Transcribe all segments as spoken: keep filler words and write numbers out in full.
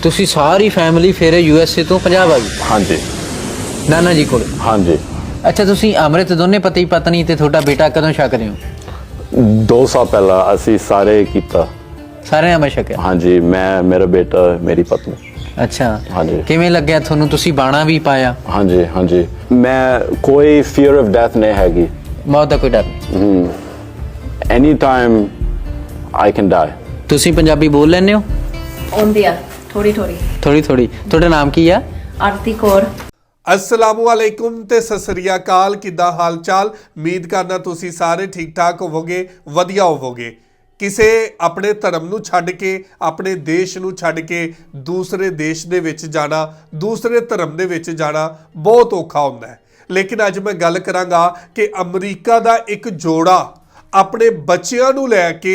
ਤੁਸੀਂ ਸਾਰੀ ਫੈਮਿਲੀ ਫਿਰ ਯੂ ਐਸ ਏ ਤੋਂ ਪੰਜਾਬ ਆ ਗਈ? ਹਾਂਜੀ। ਨਾਨਾ ਜੀ ਕੋਲ? ਹਾਂਜੀ। ਅੱਛਾ, ਤੁਸੀਂ ਅੰਮ੍ਰਿਤ ਦੋਨੇ ਪਤੀ ਪਤਨੀ ਤੇ ਤੁਹਾਡਾ ਬੇਟਾ ਕਦੋਂ ਛਕਦੇ ਹੋ? ਦੋ ਸਾਲ ਪਹਿਲਾਂ ਅਸੀਂ ਸਾਰੇ ਕੀਤਾ। ਸਾਰੇ ਅੰਮ੍ਰਿਤ ਛਕਿਆ? ਹਾਂਜੀ, ਮੈਂ, ਮੇਰਾ ਬੇਟਾ, ਮੇਰੀ ਪਤਨੀ। ਅੱਛਾ, ਹਾਂਜੀ। ਕਿਵੇਂ ਲੱਗਿਆ ਤੁਹਾਨੂੰ? ਤੁਸੀਂ ਬਾਣਾ ਵੀ ਪਾਇਆ? ਹਾਂਜੀ ਹਾਂਜੀ। ਮੈਂ ਕੋਈ ਫੀਅਰ ਆਫ ਡੈਥ ਨਹੀਂ ਹੈਗੀ। ਮੌਤ ਦਾ ਕੋਈ ਡਰ ਨਹੀਂ? Any time I can die. ਤੁਸੀਂ ਪੰਜਾਬੀ ਬੋਲ ਲੈਂਦੇ ਹੋ? ਆਉਂਦੀ ਆ ਥੋੜੀ ਥੋੜੀ ਥੋੜੀ ਥੋੜੀ। ਤੁਹਾਡਾ ਨਾਮ ਕੀ ਆ? ਆਰਤੀ ਕੌਰ। अस्सलामुअलैकुम ते सत श्री अकाल। किद्दां हाल चाल? उम्मीद करना तुसी सारे ठीक ठाक होवोगे, वधिया होवोगे। ਕਿਸੇ ਆਪਣੇ ਧਰਮ ਨੂੰ ਛੱਡ ਕੇ, ਆਪਣੇ ਦੇਸ਼ ਨੂੰ ਛੱਡ ਕੇ ਦੂਸਰੇ ਦੇਸ਼ ਦੇ ਵਿੱਚ ਜਾਣਾ, ਦੂਸਰੇ ਧਰਮ ਦੇ ਵਿੱਚ ਜਾਣਾ ਬਹੁਤ ਔਖਾ ਹੁੰਦਾ ਹੈ। ਲੇਕਿਨ ਅੱਜ ਮੈਂ ਗੱਲ ਕਰਾਂਗਾ ਕਿ ਅਮਰੀਕਾ ਦਾ ਇੱਕ ਜੋੜਾ ਆਪਣੇ ਬੱਚਿਆਂ ਨੂੰ ਲੈ ਕੇ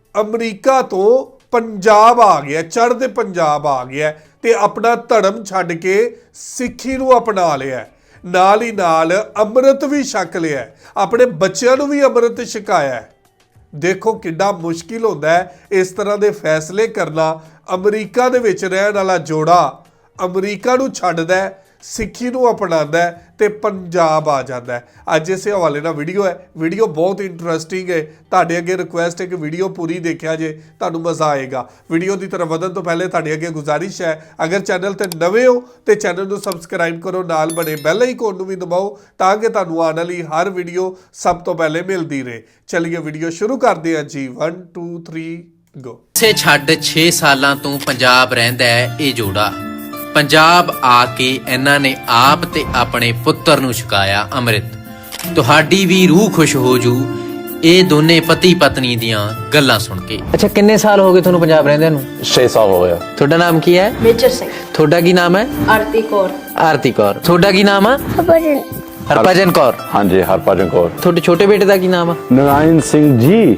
ਅਮਰੀਕਾ ਤੋਂ ਪੰਜਾਬ ਆ ਗਿਆ, ਚੜ੍ਹਦੇ ਪੰਜਾਬ ਆ ਗਿਆ ਤੇ ਆਪਣਾ ਧਰਮ ਛੱਡ ਕੇ ਸਿੱਖੀ ਨੂੰ ਅਪਣਾ ਲਿਆ, ਨਾਲ ਹੀ ਨਾਲ ਅੰਮ੍ਰਿਤ ਵੀ ਛਕ ਲਿਆ, ਆਪਣੇ ਬੱਚਿਆਂ ਨੂੰ ਵੀ ਅੰਮ੍ਰਿਤ ਛਕਾਇਆ। ਦੇਖੋ ਕਿੱਡਾ ਮੁਸ਼ਕਿਲ ਹੁੰਦਾ ਹੈ ਇਸ ਤਰ੍ਹਾਂ ਦੇ ਫੈਸਲੇ ਕਰਨਾ। ਅਮਰੀਕਾ ਦੇ ਵਿੱਚ ਰਹਿਣ ਵਾਲਾ ਜੋੜਾ ਅਮਰੀਕਾ ਨੂੰ ਛੱਡਦਾ, ਸਿੱਖੀ ਨੂੰ ਅਪਣਾਉਂਦਾ ਤੇ ਪੰਜਾਬ ਆ ਜਾਂਦਾ ਹੈ। ਅੱਜ ਇਸੇ ਹਵਾਲੇ ਨਾਲ ਵੀਡੀਓ ਹੈ। ਵੀਡੀਓ ਬਹੁਤ ਇੰਟਰਸਟਿੰਗ ਹੈ। ਤੁਹਾਡੇ ਅੱਗੇ ਰਿਕੁਐਸਟ ਹੈ ਕਿ ਵੀਡੀਓ ਪੂਰੀ ਦੇਖਿਆ ਜੇ, ਤੁਹਾਨੂੰ ਮਜ਼ਾ ਆਏਗਾ। ਵੀਡੀਓ ਦੀ ਤਰਫ ਵਧਣ ਤੋਂ ਪਹਿਲੇ ਤੁਹਾਡੇ ਅੱਗੇ ਗੁਜ਼ਾਰਿਸ਼ ਹੈ, ਅਗਰ ਚੈਨਲ ਤੇ ਨਵੇਂ ਹੋ ਤੇ ਚੈਨਲ ਨੂੰ ਸਬਸਕ੍ਰਾਈਬ ਕਰੋ, ਨਾਲ ਬਣੇ ਬੈਲ ਆਈਕਨ ਨੂੰ ਵੀ ਦਬਾਓ ਤਾਂ ਕਿ ਤੁਹਾਨੂੰ ਆਉਣ ਵਾਲੀ ਹਰ ਵੀਡੀਓ ਸਭ ਤੋਂ ਪਹਿਲੇ ਮਿਲਦੀ ਰਹੇ। ਚਲਿਏ ਵੀਡੀਓ ਸ਼ੁਰੂ ਕਰਦੇ ਹਾਂ ਜੀ। One two three go. ਸੇ ਛੱਡ ਛੇ ਸਾਲਾਂ ਤੋਂ ਪੰਜਾਬ ਰਹਿੰਦਾ ਹੈ ਇਹ ਜੋੜਾ। ਪੰਜਾਬ ਆ ਕੇ ਇਹਨਾਂ ਨੇ ਆਪ ਤੇ ਆਪਣੇ ਪੁੱਤਰ ਨੂੰ ਛਕਾਇਆ ਅੰਮ੍ਰਿਤ। ਤੁਹਾਡੀ ਵੀ ਰੂਹ ਖੁਸ਼ ਹੋ ਜੂ ਇਹ ਦੋਨੇ ਪਤੀ ਪਤਨੀ ਦੀਆਂ ਗੱਲਾਂ ਸੁਣ ਕੇ। ਅੱਛਾ, ਕਿੰਨੇ ਸਾਲ ਹੋ ਗਏ ਤੁਹਾਨੂੰ ਪੰਜਾਬ ਰਹਿੰਦਿਆਂ ਨੂੰ? ਛੇ ਸਾਲ ਹੋ ਗਿਆ। ਤੁਹਾਡਾ ਨਾਮ ਕੀ ਹੈ? ਮੇਜਰ ਸਿੰਘ। ਤੁਹਾਡਾ ਕੀ ਨਾਮ ਹੈ? ਆਰਤੀ ਕੌਰ। ਆਰਤੀ ਕੌਰ। ਤੁਹਾਡਾ ਕੀ ਨਾਮ ਹੈ? ਹਰਭਜਨ। ਹਰਭਜਨ ਕੌਰ। ਹਾਂਜੀ, ਹਰਭਜਨ ਕੌਰ। ਤੁਹਾਡੇ ਛੋਟੇ ਬੇਟੇ ਦਾ ਕੀ ਨਾਮ ਹੈ? ਨਰਾਇਣ ਸਿੰਘ ਜੀ।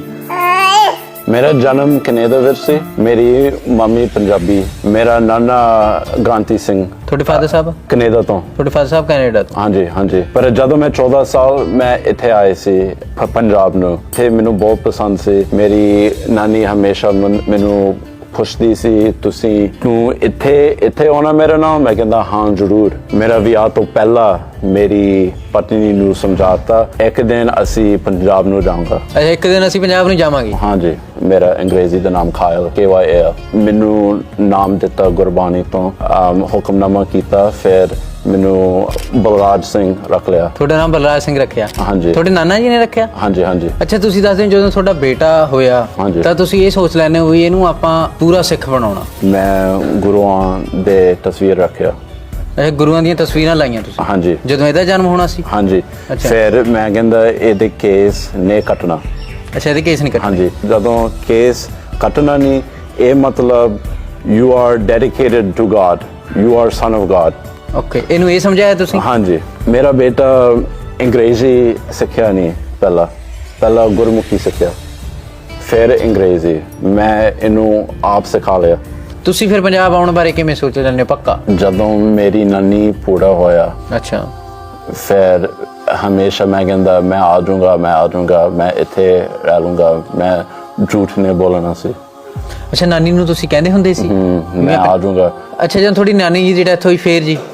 ਮੇਰਾ ਜਨਮ ਕੈਨੇਡਾ ਵਿੱਚ ਸੀ। ਮੇਰੀ ਮੰਮੀ ਪੰਜਾਬੀ, ਮੇਰਾ ਨਾਨਾ ਗ੍ਰਾਂਤੀ ਸਿੰਘ। ਤੁਹਾਡੇ ਫਾਦਰ ਸਾਹਿਬ? ਕੈਨੇਡਾ ਤੋਂ। ਤੁਹਾਡੇ ਫਾਦਰ ਸਾਹਿਬ ਕੈਨੇਡਾ ਤੋਂ? ਹਾਂਜੀ ਹਾਂਜੀ। ਪਰ ਜਦੋਂ ਮੈਂ ਚੌਦਾਂ ਸਾਲ ਮੈਂ ਇੱਥੇ ਆਏ ਸੀ ਪ- ਪੰਜਾਬ ਨੂੰ, ਤੇ ਮੈਨੂੰ ਬਹੁਤ ਪਸੰਦ ਸੀ। ਮੇਰੀ ਨਾਨੀ ਹਮੇਸ਼ਾ ਮਨ- ਮੈਨੂੰ ਪੁੱਛਦੀ ਸੀ, ਤੁਸੀਂ ਤੂੰ ਇੱਥੇ ਇੱਥੇ ਆਉਣਾ ਮੇਰੇ ਨਾਲ? ਮੈਂ ਕਹਿੰਦਾ ਹਾਂ ਜ਼ਰੂਰ। ਮੇਰਾ ਵਿਆਹ ਤੋਂ ਪਹਿਲਾਂ ਮੇਰੀ ਪਤਨੀ ਨੂੰ ਸਮਝਾਤਾ ਇੱਕ ਦਿਨ ਅਸੀਂ ਪੰਜਾਬ ਨੂੰ ਜਾਵਾਂਗਾ। ਅੱਛਾ, ਇੱਕ ਦਿਨ ਅਸੀਂ ਪੰਜਾਬ ਨੂੰ ਜਾਵਾਂਗੇ। ਹਾਂਜੀ। ਮੇਰਾ ਅੰਗਰੇਜ਼ੀ ਦਾ ਨਾਮ ਖਾਇਲ, ਕੇ ਵਾਈ ਏ। ਮੈਨੂੰ ਨਾਮ ਦਿੱਤਾ ਗੁਰਬਾਣੀ ਤੋਂ, ਅਮ, ਹੁਕਮਨਾਮਾ ਕੀਤਾ, ਫਿਰ ਮੈਨੂੰ ਬਲਰਾਜ ਸਿੰਘ ਰੱਖ ਲਿਆ। ਤੁਹਾਡਾ ਨਾਮ ਬਲਰਾਜ ਸਿੰਘ ਰੱਖਿਆ? ਹਾਂਜੀ। ਤੁਹਾਡੇ ਨਾਨਾ ਜੀ ਨੇ ਰੱਖਿਆ? ਹਾਂਜੀ ਹਾਂਜੀ। ਅੱਛਾ, ਤੁਸੀਂ ਦੱਸਦੇ ਹੋ ਜਦੋਂ ਤੁਹਾਡਾ ਬੇਟਾ ਹੋਇਆ ਹਾਂਜੀ। ਤਾਂ ਤੁਸੀਂ ਇਹ ਸੋਚ ਲੈਂਦੇ ਹੋ ਵੀ ਇਹਨੂੰ ਆਪਾਂ ਪੂਰਾ ਸਿੱਖ ਬਣਾਉਣਾ। ਮੈਂ ਗੁਰੂਆਂ ਦੇ ਤਸਵੀਰ ਰੱਖਿਆ। ਅੱਛਾ, ਗੁਰੂਆਂ ਦੀਆਂ ਤਸਵੀਰਾਂ ਲਾਈਆਂ ਤੁਸੀਂ ਹਾਂਜੀ ਜਦੋਂ ਇਹਦਾ ਜਨਮ ਹੋਣਾ ਸੀ? ਹਾਂਜੀ। ਅੱਛਾ। ਫਿਰ ਮੈਂ ਕਹਿੰਦਾ ਇਹਦੇ ਕੇਸ ਨੇ ਕੱਟਣਾ। ਅੱਛਾ, ਇਹਦੇ ਕੇਸ ਨਹੀਂ ਕੱਟਣੇ? ਹਾਂਜੀ। ਜਦੋਂ ਕੇਸ ਕੱਟਣਾ ਨਹੀਂ, ਇਹ ਮਤਲਬ you are dedicated to God, you are son of God. Okay, ਇਹਨੂੰ ਇਹ ਸਮਝਾਇਆ ਤੁਸੀਂ? ਹਾਂਜੀ। ਮੇਰਾ ਬੇਟਾ ਅੰਗਰੇਜ਼ੀ ਸਿੱਖਿਆ ਨਹੀਂ ਪਹਿਲਾਂ ਪਹਿਲਾਂ ਗੁਰਮੁਖੀ ਸਿੱਖਿਆ, ਫਿਰ ਅੰਗਰੇਜ਼ੀ। ਮੈਂ ਇਹਨੂੰ ਆਪ ਸਿਖਾ ਲਿਆ। ਤੁਸੀਂ ਫਿਰ ਪੰਜਾਬ ਆਉਣ ਬਾਰੇ ਕਿਵੇਂ ਸੋਚ ਲੈਂਦੇ ਹੋ ਪੱਕਾ? ਜਦੋਂ ਮੇਰੀ ਨਾਨੀ ਪੂਰਾ ਹੋਇਆ, ਅੱਛਾ, ਫਿਰ ਹਮੇਸ਼ਾ ਮੈਂ ਕਹਿੰਦਾ ਮੈਂ ਆ ਜਾਊਂਗਾ, ਮੈਂ ਆ ਜਾਊਂਗਾ, ਮੈਂ ਇੱਥੇ ਰਹਿ ਲੂੰਗਾ, ਮੈਂ ਝੂਠ ਨਹੀਂ ਬੋਲਣਾ ਸੀ। ਅੱਛਾ, ਨਾਨੀ ਨੂੰ ਤੁਸੀਂ ਕਹਿੰਦੇ ਹੁੰਦੇ ਸੀ ਮੈਂ ਆ ਜਾਊਂਗਾ? ਅੱਛਾ, ਜਦੋਂ ਤੁਹਾਡੀ ਨਾਨੀ ਜੀ ਦੀ ਡੈਥ ਹੋਈ ਫੇਰ ਜੀ?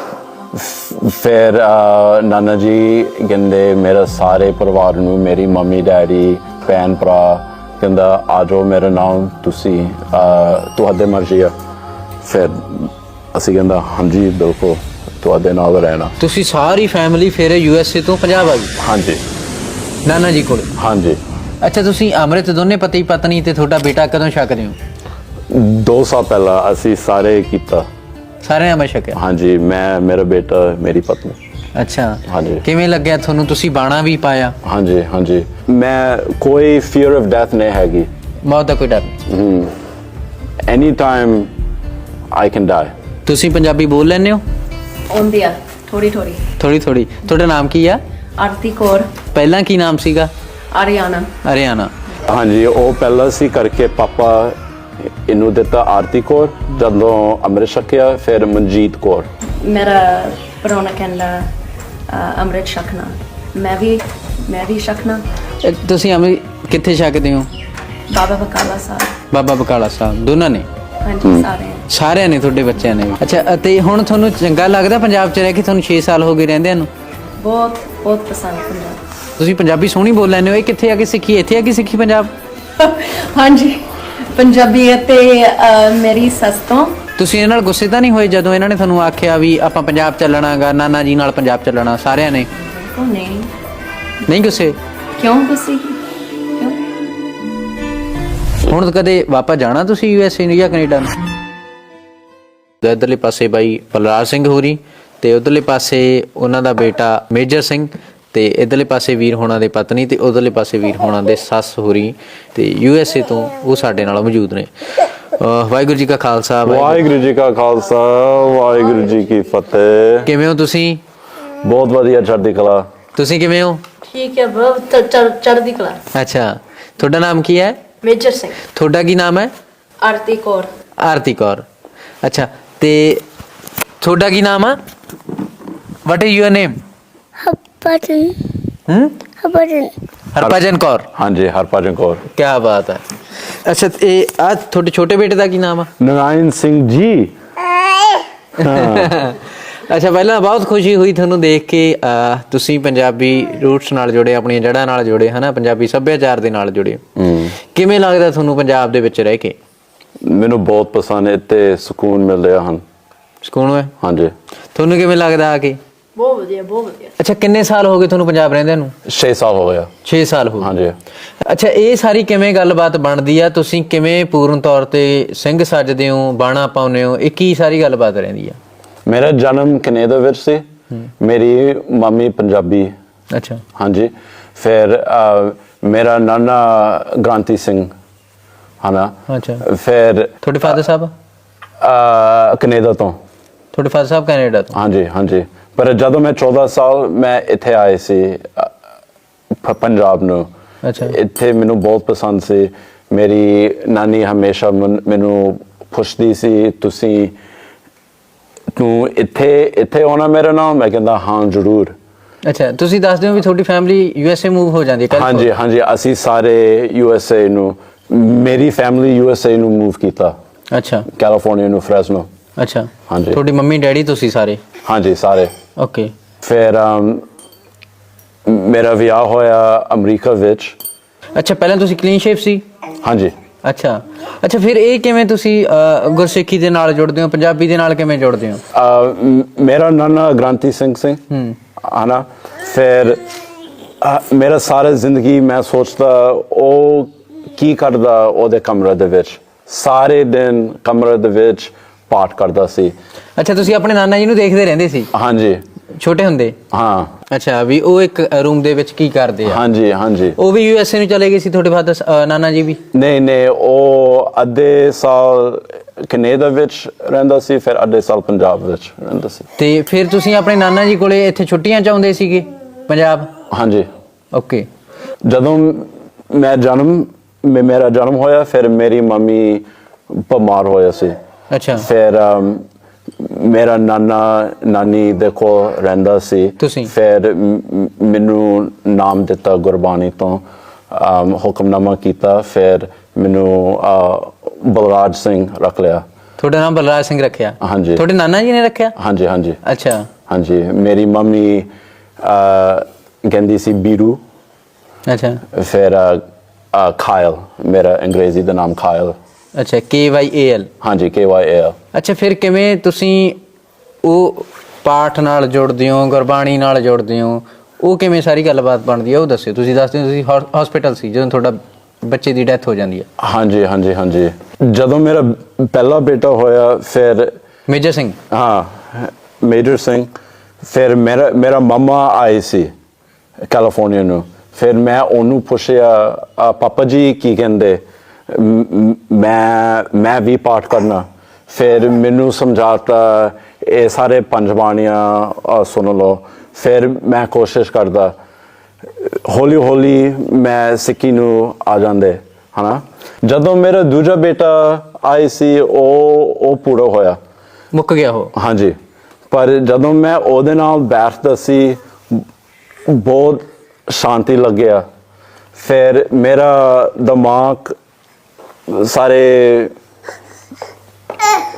ਫਿਰ ਨਾਨਾ ਜੀ ਕਹਿੰਦੇ ਮੇਰੇ ਸਾਰੇ ਪਰਿਵਾਰ ਨੂੰ, ਮੇਰੀ ਮੰਮੀ ਡੈਡੀ ਭੈਣ ਭਰਾ, ਕਹਿੰਦਾ ਆ ਜਾਓ ਮੇਰੇ ਨਾਲ, ਤੁਸੀਂ ਤੁਹਾਡੇ ਮਰਜ਼ੀ ਆ। ਫਿਰ ਅਸੀਂ ਕਹਿੰਦਾ ਹਾਂਜੀ ਬਿਲਕੁਲ ਤੁਹਾਡੇ ਨਾਲ ਰਹਿਣਾ। ਤੁਸੀਂ ਸਾਰੀ ਫੈਮਿਲੀ ਫਿਰ ਯੂ ਐਸ ਏ ਤੋਂ ਪੰਜਾਬ ਆ ਗਈ? ਹਾਂਜੀ। ਨਾਨਾ ਜੀ ਕੋਲ? ਹਾਂਜੀ। ਅੱਛਾ, ਤੁਸੀਂ ਅੰਮ੍ਰਿਤ ਦੋਨੇ ਪਤੀ ਪਤਨੀ ਤੇ ਤੁਹਾਡਾ ਬੇਟਾ ਕਦੋਂ ਛਕਦੇ ਹੋ? ਦੋ ਸਾਲ ਪਹਿਲਾਂ ਅਸੀਂ ਸਾਰੇ ਕੀਤਾ। ਸਾਰੇ ਅੰਮ੍ਰਿਤ ਛਕਿਆ? ਹਾਂਜੀ, ਮੈਂ, ਮੇਰਾ ਬੇਟਾ, ਮੇਰੀ ਪਤਨੀ। ਅੱਛਾ, ਹਾਂਜੀ। ਕਿਵੇਂ ਲੱਗਿਆ ਤੁਹਾਨੂੰ? ਤੁਸੀਂ ਬਾਣਾ ਵੀ ਪਾਇਆ? ਹਾਂਜੀ ਹਾਂਜੀ। ਮੈਂ ਕੋਈ ਫੀਅਰ ਆਫ ਡੈਥ ਨਹੀਂ ਹੈਗੀ। ਮੌਤ ਦਾ ਕੋਈ ਡਰ ਨਹੀਂ? Any time I can die. ਤੁਸੀਂ ਪੰਜਾਬੀ ਬੋਲ ਲੈਂਦੇ ਹੋ? ਆਉਂਦੀ ਆ ਥੋੜੀ ਥੋੜੀ। ਥੋੜੀ ਥੋੜੀ। ਤੁਹਾਡਾ ਨਾਮ ਕੀ ਆ? ਆਰਤੀ ਕੌਰ। ਪਹਿਲਾਂ ਕੀ ਨਾਮ ਸੀਗਾ? ਆਰੀਆਨਾ। ਹਰਿਆਣਾ। ਹਾਂਜੀ, ਉਹ ਪਹਿਲਾਂ ਸੀ ਕਰਕੇ ਪਾਪਾ ਇਹਨੂੰ ਦਿੱਤਾ ਆਰਤੀ ਕੌਰ। ਜਦੋਂ ਅੰਮ੍ਰਿਤ ਛਕਿਆ ਫਿਰ ਮਨਜੀਤ ਕੌਰ। ਮੇਰਾ ਪਰੋਣਾ ਕਹਿੰਦਾ ਅ, ਅੰਮ੍ਰਿਤ ਛਕਣਾ। ਮੈਂ ਵੀ ਮੈਂ ਵੀ ਛਕਣਾ। ਇਹ ਤੁਸੀਂ ਅੰਮ੍ਰਿਤ ਕਿੱਥੇ ਛਕਦੇ ਹੋ? ਬਾਬਾ ਬਕਾਲਾ ਸਾਹਿਬ। ਬਾਬਾ ਬਕਾਲਾ ਸਾਹਿਬ ਦੋਨਾਂ ਨੇ? ਹਾਂਜੀ ਸਾਰੇ ਸਾਰਿਆਂ ਨੇ ਤੁਹਾਡੇ ਬੱਚਿਆਂ ਨੇ ਵੀ। ਅੱਛਾ ਅਤੇ ਹੁਣ ਤੁਹਾਨੂੰ ਚੰਗਾ ਲੱਗਦਾ ਪੰਜਾਬ 'ਚ ਰਹਿ ਕੇ? ਤੁਹਾਨੂੰ ਛੇ ਸਾਲ ਹੋ ਗਏ ਰਹਿੰਦਿਆਂ ਨੂੰ। ਬਹੁਤ ਬਹੁਤ ਪਸੰਦ ਪੰਜਾਬ ਤੁਸੀਂ ਪੰਜਾਬੀ ਸੋਹਣੀ ਬੋਲ ਲੈਂਦੇ ਹੋ। ਇਹ ਕਿੱਥੇ ਆ ਕੇ ਸਿੱਖੀ? ਇੱਥੇ ਆ ਕੇ ਸਿੱਖੀ ਪੰਜਾਬ? ਹਾਂਜੀ ਪੰਜਾਬੀ ਅਤੇ ਅਹ, ਮੇਰੀ ਸੱਸ ਤੋਂ। ਤੁਸੀਂ ਇਹਨਾਂ ਨਾਲ ਗੁੱਸੇ ਤਾਂ ਨਹੀਂ ਹੋਏ ਜਦੋਂ ਇਹਨਾਂ ਨੇ ਤੁਹਾਨੂੰ ਆਖਿਆ ਵੀ ਆਪਾਂ ਪੰਜਾਬ ਚੱਲਣਾਗਾ, ਨਾਨਾ ਜੀ ਨਾਲ ਪੰਜਾਬ ਚੱਲਣਾ ਸਾਰਿਆਂ ਨੇ? ਉਹ ਨਹੀਂ ਨਹੀਂ ਗੁੱਸੇ? ਕਿਉਂ ਗੁੱਸੇ ਕਿਉਂ? ਹੁਣ ਕਦੇ ਵਾਪਸ ਜਾਣਾ ਤੁਸੀਂ ਯੂ ਐਸ ਏ ਨੂੰ ਜਾਂ ਕੈਨੇਡਾ ਨੂੰ? ਇੱਧਰਲੇ ਪਾਸੇ ਬਾਈ ਬਲਰਾਜ ਸਿੰਘ ਹੋਰੀ ਤੇ ਉਧਰਲੇ ਪਾਸੇ ਉਹਨਾਂ ਦਾ ਬੇਟਾ ਮੇਜਰ ਸਿੰਘ ਤੇ ਇਧਰਲੇ ਪਾਸੇ ਵੀਰ ਹੋਣਾ ਦੇ ਪਤਨੀ ਤੇ ਉਧਰਲੇ ਪਾਸੇ ਵੀਰ ਹੋਣਾ ਦੇ ਸੱਸ ਹੋਰੀ ਤੇ ਯੂ ਐਸ ਏ ਤੋਂ ਉਹ ਸਾਡੇ ਨਾਲ ਮੌਜੂਦ ਨੇ। ਅਹ ਵਾਹਿਗੁਰੂ ਜੀ ਕਾ ਖਾਲਸਾ। ਵਾਹਿਗੁਰੂ ਜੀ ਕਾ ਖਾਲਸਾ, ਵਾਹਿਗੁਰੂ ਜੀ ਕੀ ਫਤਿਹ। ਕਿਵੇਂ ਹੋ ਤੁਸੀਂ? ਬਹੁਤ ਵਧੀਆ, ਚੜ੍ਹਦੀ ਕਲਾ। ਤੁਸੀਂ ਕਿਵੇਂ ਹੋ? ਠੀਕ ਹੈ ਬ్రో, ਚੜ੍ਹਦੀ ਕਲਾ। ਅੱਛਾ, ਤੁਹਾਡਾ ਨਾਮ ਕੀ ਹੈ? ਮੇਜਰ ਸਿੰਘ। ਤੁਹਾਡਾ ਕੀ ਨਾਮ ਹੈ? ਆਰਤੀ ਕੌਰ। ਆਰਤੀ ਕੌਰ। ਅੱਛਾ ਤੇ ਤੁਹਾਡਾ ਕੀ ਨਾਮ ਆ? What is your name? Harbhajan ਹਮ ਹਰਭਜਨ ਹਰਭਜਨ ਕੌਰ। ਹਾਂਜੀ, ਹਰਭਜਨ ਕੌਰ। ਕੀ ਬਾਤ ਹੈ। ਅੱਛਾ ਇਹ ਆ ਤੁਹਾਡੇ ਛੋਟੇ ਬੇਟੇ ਦਾ ਕੀ ਨਾਮ ਆ? ਨਰਾਇਣ ਸਿੰਘ ਜੀ। ਅੱਛਾ ਪਹਿਲਾਂ ਬਹੁਤ ਖੁਸ਼ੀ ਹੋਈ ਤੁਹਾਨੂੰ ਦੇਖ ਕੇ। ਅਹ, ਤੁਸੀਂ ਪੰਜਾਬੀ ਰੂਟਸ ਨਾਲ ਜੁੜੇ, ਆਪਣੀਆਂ ਜੜ੍ਹਾਂ ਨਾਲ ਜੁੜੇ, ਹਨਾ, ਪੰਜਾਬੀ ਸੱਭਿਆਚਾਰ ਦੇ ਨਾਲ ਜੁੜੇ। ਕਿਵੇਂ ਲੱਗਦਾ ਤੁਹਾਨੂੰ ਪੰਜਾਬ ਦੇ ਵਿੱਚ ਰਹਿ ਕੇ? ਮੈਨੂੰ ਬਹੁਤ ਪਸੰਦ ਹੈ, ਇੱਥੇ ਸਕੂਨ ਮਿਲ ਰਿਹਾ ਹਨ। ਸਕੂਨ ਹੈ? ਹਾਂਜੀ। ਤੁਹਾਨੂੰ ਕਿਵੇਂ ਲੱਗਦਾ ਆ ਕੇ? ਬਹੁਤ ਵਧੀਆ, ਬਹੁਤ ਵਧੀਆ। ਅੱਛਾ ਕਿੰਨੇ ਸਾਲ ਹੋ ਗਏ ਤੁਹਾਨੂੰ ਪੰਜਾਬ ਰਹਿੰਦਿਆਂ ਨੂੰ? ਛੇ ਸਾਲ ਹੋ ਗਿਆ। ਛੇ ਸਾਲ ਹੋ ਗਏ। ਹਾਂਜੀ। ਅੱਛਾ ਇਹ ਸਾਰੀ ਕਿਵੇਂ ਗੱਲਬਾਤ ਬਣਦੀ ਆ? ਤੁਸੀਂ ਕਿਵੇਂ ਪੂਰਨ ਤੌਰ ਤੇ ਸਿੰਘ ਸੱਜਦੇ ਹੋ, ਬਾਣਾ ਪਾਉਂਦੇ ਹੋ? ਇਹ ਕੀ ਸਾਰੀ ਗੱਲਬਾਤ ਰਹਿੰਦੀ ਆ? ਮੇਰਾ ਜਨਮ ਕੈਨੇਡਾ ਵਿੱਚ ਸੀ। ਮੇਰੀ ਮੰਮੀ ਪੰਜਾਬੀ। ਅੱਛਾ। ਹਾਂਜੀ। ਫਿਰ ਅਹ, ਮੇਰਾ ਨਾਨਾ ਗ੍ਰਾਂਤੀ ਸਿੰਘ ਹਨਾ। ਅੱਛਾ। ਫਿਰ ਤੁਹਾਡੇ ਫਾਦਰ ਸਾਹਿਬ? ਅਹ, ਕੈਨੇਡਾ ਤੋਂ। ਤੁਹਾਡੇ ਫਾਦਰ ਸਾਹਿਬ ਕੈਨੇਡਾ ਤੋਂ? ਹਾਂਜੀ ਹਾਂਜੀ। ਪਰ ਜਦੋਂ ਮੈਂ ਚੌਦਾਂ ਸਾਲ ਮੈਂ ਇੱਥੇ ਆਏ ਸੀ ਅਹ, ਪੰਜਾਬ ਨੂੰ। ਅੱਛਾ। ਇੱਥੇ ਮੈਨੂੰ ਬਹੁਤ ਪਸੰਦ ਸੀ। ਮੇਰੀ ਨਾਨੀ ਹਮੇਸ਼ਾ ਮਨ- ਮੈਨੂੰ ਪੁੱਛਦੀ ਸੀ, ਤੁਸੀਂ ਤੂੰ ਇੱਥੇ ਇੱਥੇ ਆਉਣਾ ਮੇਰੇ ਨਾਲ? ਮੈਂ ਕਹਿੰਦਾ ਹਾਂ ਜ਼ਰੂਰ। ਅੱਛਾ ਤੁਸੀਂ ਦੱਸਦੇ ਹੋ ਵੀ ਤੁਹਾਡੀ family U S A move ਹੋ ਜਾਂਦੀ ਹੈ? ਹਾਂਜੀ ਹਾਂਜੀ। ਅਸੀਂ ਸਾਰੇ ਯੂ ਐਸ ਏ ਨੂੰ, ਮੇਰੀ ਫੈਮਿਲੀ ਯੂ ਐਸ ਏ ਨੂੰ ਮੂਵ ਕੀਤਾ। ਅੱਛਾ। ਕੈਲੀਫੋਰਨੀਆ ਨੂੰ, ਫ੍ਰੈਸਨੋ। ਅੱਛਾ। ਹਾਂਜੀ। ਤੁਹਾਡੀ ਮੰਮੀ ਡੈਡੀ ਤੁਸੀਂ ਸਾਰੇ? ਹਾਂਜੀ ਸਾਰੇ। ਓਕੇ। ਫਿਰ ਅਮ, ਮੇਰਾ ਵਿਆਹ ਹੋਇਆ ਅਮਰੀਕਾ ਵਿੱਚ। ਅੱਛਾ ਪਹਿਲਾਂ ਤੁਸੀਂ ਕਲੀਨ ਸ਼ੇਪ ਸੀ? ਹਾਂਜੀ। ਅੱਛਾ ਅੱਛਾ ਫਿਰ ਇਹ ਕਿਵੇਂ ਤੁਸੀਂ ਅਹ, ਗੁਰਸਿੱਖੀ ਦੇ ਨਾਲ ਜੁੜਦੇ ਹੋ, ਪੰਜਾਬੀ ਦੇ ਨਾਲ ਕਿਵੇਂ ਜੁੜਦੇ ਹੋ? ਅਹ, ਮ- ਮੇਰਾ ਨਾਨਾ ਗ੍ਰਾਂਤੀ ਸਿੰਘ ਸਿੰਘ ਹੂੰ। ਹਨਾ। ਫਿਰ ਅਹ, ਮੇਰਾ ਸਾਰਾ ਜ਼ਿੰਦਗੀ ਮੈਂ ਸੋਚਦਾ ਉਹ ਕੀ ਕਰਦਾ ਉਹਦੇ ਕਮਰੇ ਦੇ ਵਿੱਚ। ਸਾਰੇ ਦਿਨ ਕਮਰੇ ਦੇ ਵਿੱਚ ਪਾਠ ਕਰਦਾ ਸੀ। ਅੱਛਾ ਤੁਸੀਂ ਆਪਣੇ ਨਾਨਾ ਜੀ ਨੂੰ ਦੇਖਦੇ ਰਹਿੰਦੇ ਸੀ ਹਾਂਜੀ। ਛੋਟੇ ਹੁੰਦੇ? ਹਾਂ। ਅੱਛਾ ਵੀ ਉਹ ਇੱਕ ਰੂਮ ਦੇ ਵਿੱਚ ਕੀ ਕਰਦੇ ਆ? ਹਾਂਜੀ ਹਾਂਜੀ। ਉਹ ਵੀ ਯੂ ਐਸ ਏ ਨੂੰ ਚਲੇ ਗਏ ਸੀ ਤੁਹਾਡੇ ਫਾਦਰ ਨਾਨਾ ਜੀ ਵੀ? ਨਹੀਂ ਨਹੀਂ, ਉਹ ਅੱਧੇ ਸਾਲ ਕੈਨੇਡਾ ਵਿੱਚ ਰਹਿੰਦਾ ਸੀ, ਫਿਰ ਅੱਧੇ ਸਾਲ ਪੰਜਾਬ ਵਿੱਚ ਰਹਿੰਦਾ ਸੀ। ਤੇ ਫਿਰ ਤੁਸੀਂ ਆਪਣੇ ਨਾਨਾ ਜੀ ਕੋਲੇ ਇੱਥੇ ਛੁੱਟੀਆਂ ਚ ਆਉਂਦੇ ਸੀਗੇ ਪੰਜਾਬ? ਹਾਂਜੀ। ਓਕੇ। ਜਦੋਂ ਮੈਂ ਜਨਮ ਮੇ- ਮੇਰਾ ਜਨਮ ਹੋਇਆ, ਫਿਰ ਮੇਰੀ ਮੰਮੀ ਬਿਮਾਰ ਹੋਇਆ ਸੀ। ਅੱਛਾ। ਫਿਰ ਅਮ, ਮੇਰਾ ਨਾਨਾ ਨਾਨੀ ਦੇ ਕੋਲ ਰਹਿੰਦਾ ਸੀ। ਤੁਸੀਂ? ਫਿਰ ਮ- ਮ- ਮੈਨੂੰ ਨਾਮ ਦਿੱਤਾ ਗੁਰਬਾਣੀ ਤੋਂ, ਅਮ, ਹੁਕਮਨਾਮਾ ਕੀਤਾ। ਫਿਰ ਮੈਨੂੰ ਅ, ਬਲਰਾਜ ਸਿੰਘ ਰੱਖ ਲਿਆ। ਤੁਹਾਡਾ ਨਾਮ ਬਲਰਾਜ ਸਿੰਘ ਰੱਖਿਆ? ਹਾਂਜੀ। ਤੁਹਾਡੇ ਨਾਨਾ ਜੀ ਨੇ ਰੱਖਿਆ? ਹਾਂਜੀ ਹਾਂਜੀ ਅੱਛਾ। ਹਾਂਜੀ। ਮੇਰੀ ਮੰਮੀ ਅ, ਕਹਿੰਦੀ ਸੀ ਬੀਰੂ। ਅੱਛਾ ਫਿਰ ਅ, ਅ, ਖਾਇਲ, ਮੇਰਾ ਅੰਗਰੇਜ਼ੀ ਦਾ ਨਾਮ ਖਾਇਲ। ਅੱਛਾ ਕੇ ਵਾਈ ਏ ਐਲ? ਹਾਂਜੀ, ਕੇ ਵਾਈ ਏ ਐਲ। ਅੱਛਾ ਫਿਰ ਕਿਵੇਂ ਤੁਸੀਂ ਉਹ ਪਾਠ ਨਾਲ ਜੁੜਦੇ ਹੋ, ਗੁਰਬਾਣੀ ਨਾਲ ਜੁੜਦੇ ਹੋ? ਉਹ ਕਿਵੇਂ ਸਾਰੀ ਗੱਲਬਾਤ ਬਣਦੀ ਹੈ ਉਹ ਦੱਸਿਓ। ਤੁਸੀਂ ਦੱਸਦੇ ਹੋ ਤੁਸੀਂ ਹਸਪੀਟਲ ਸੀ ਜਦੋਂ ਤੁਹਾਡਾ ਬੱਚੇ ਦੀ ਡੈਥ ਹੋ ਜਾਂਦੀ ਹੈ? ਹਾਂਜੀ ਹਾਂਜੀ ਹਾਂਜੀ। ਜਦੋਂ ਮੇਰਾ ਪਹਿਲਾ ਬੇਟਾ ਹੋਇਆ, ਫਿਰ ਮੇਜਰ ਸਿੰਘ? ਹਾਂ, ਮੇਜਰ ਸਿੰਘ। ਫਿਰ ਮੇਰਾ ਮੇਰਾ ਮਾਮਾ ਆਏ ਸੀ ਕੈਲੀਫੋਰਨੀਆ ਨੂੰ। ਫਿਰ ਮੈਂ ਉਹਨੂੰ ਪੁੱਛਿਆ, "ਅ, ਪਾਪਾ ਜੀ ਕੀ ਕਹਿੰਦੇ? ਮ- ਮ- ਮੈਂ ਮੈਂ ਵੀ ਪਾਠ ਕਰਨਾ। ਫਿਰ ਮੈਨੂੰ ਸਮਝਾਤਾ ਇਹ ਸਾਰੇ ਪੰਜ ਬਾਣੀਆਂ ਅ, ਸੁਣ ਲਓ। ਫਿਰ ਮੈਂ ਕੋਸ਼ਿਸ਼ ਕਰਦਾ, ਹੌਲੀ ਹੌਲੀ ਮੈਂ ਸਿੱਖੀ ਨੂੰ ਆ ਜਾਂਦੇ ਹਨਾ। ਜਦੋਂ ਮੇਰਾ ਦੂਜਾ ਬੇਟਾ ਆਏ ਸੀ, ਉਹ ਉਹ ਪੂਰਾ ਹੋਇਆ, ਮੁੱਕ ਗਿਆ ਉਹ? ਹਾਂਜੀ। ਪਰ ਜਦੋਂ ਮੈਂ ਉਹਦੇ ਨਾਲ ਬੈਠਦਾ ਸੀ, ਬਹੁਤ ਸ਼ਾਂਤੀ ਲੱਗਿਆ। ਫਿਰ ਮੇਰਾ ਦਿਮਾਗ ਸਾਰੇ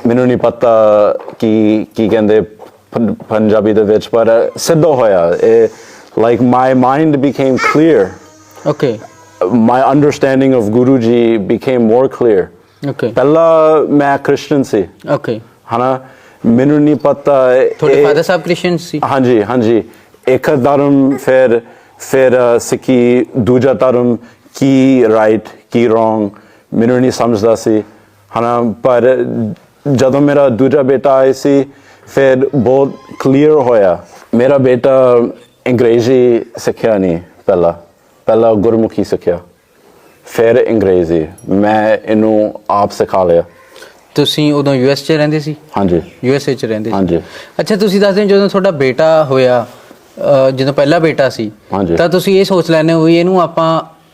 ਮੈਨੂੰ ਨਹੀਂ ਪਤਾ ਕੀ ਕੀ ਕਹਿੰਦੇ ਪੰ- ਪੰਜਾਬੀ ਦੇ ਵਿੱਚ, ਪਰ ਸਿੱਧ ਹੋਇਆ ਇਹ like my mind became clear, okay my understanding of Guru ji became more clear. Okay ਪਹਿਲਾਂ ਮੈਂ ਕ੍ਰਿਸਚਨ ਸੀ, ਓਕੇ ਹਨਾ, ਮੈਨੂੰ ਨਹੀਂ ਪਤਾ ਤੁਹਾਡੇ ਇਹ- ਫਾਦਰ ਸਾਹਿਬ ਕ੍ਰਿਸਚੀਅਨ ਸੀ? ਹਾਂਜੀ ਹਾਂਜੀ, ਇੱਕ ਧਰਮ, ਫਿਰ ਫਿਰ ਅ, ਸਿੱਖੀ, ਦੂਜਾ ਧਰਮ, ਕੀ ਰਾਈਟ ਕੀ ਰੋਂਗ ਮੈਨੂੰ ਨਹੀਂ ਸਮਝਦਾ ਸੀ, ਹਨਾ। ਪਰ ਜਦੋਂ ਮੇਰਾ ਦੂਜਾ ਬੇਟਾ ਆਇਆ ਸੀ ਫਿਰ ਬਹੁਤ ਕਲੀਅਰ ਹੋਇਆ। ਮੇਰਾ ਬੇਟਾ ਅੰਗਰੇਜ਼ੀ ਸਿੱਖਿਆ ਨਹੀਂ, ਪਹਿਲਾਂ ਪਹਿਲਾਂ ਗੁਰਮੁਖੀ ਸਿੱਖਿਆ, ਫਿਰ ਅੰਗਰੇਜ਼ੀ ਮੈਂ ਇਹਨੂੰ ਆਪ ਸਿਖਾ ਲਿਆ। ਤੁਸੀਂ ਉਦੋਂ ਯੂ ਐਸ 'ਚ ਰਹਿੰਦੇ ਸੀ? ਹਾਂਜੀ ਯੂ ਐਸ ਏ 'ਚ ਰਹਿੰਦੇ ਸੀ? ਹਾਂਜੀ। ਅੱਛਾ, ਤੁਸੀਂ ਦੱਸਦੇ ਹੋ ਜਦੋਂ ਤੁਹਾਡਾ ਬੇਟਾ ਹੋਇਆ, ਅਹ, ਜਦੋਂ ਪਹਿਲਾ ਬੇਟਾ ਸੀ, ਹਾਂਜੀ। ਤਾਂ ਤੁਸੀਂ ਇਹ ਸੋਚ ਲੈਂਦੇ ਹੋ ਵੀ ਇਹਨੂੰ ਆਪਾਂ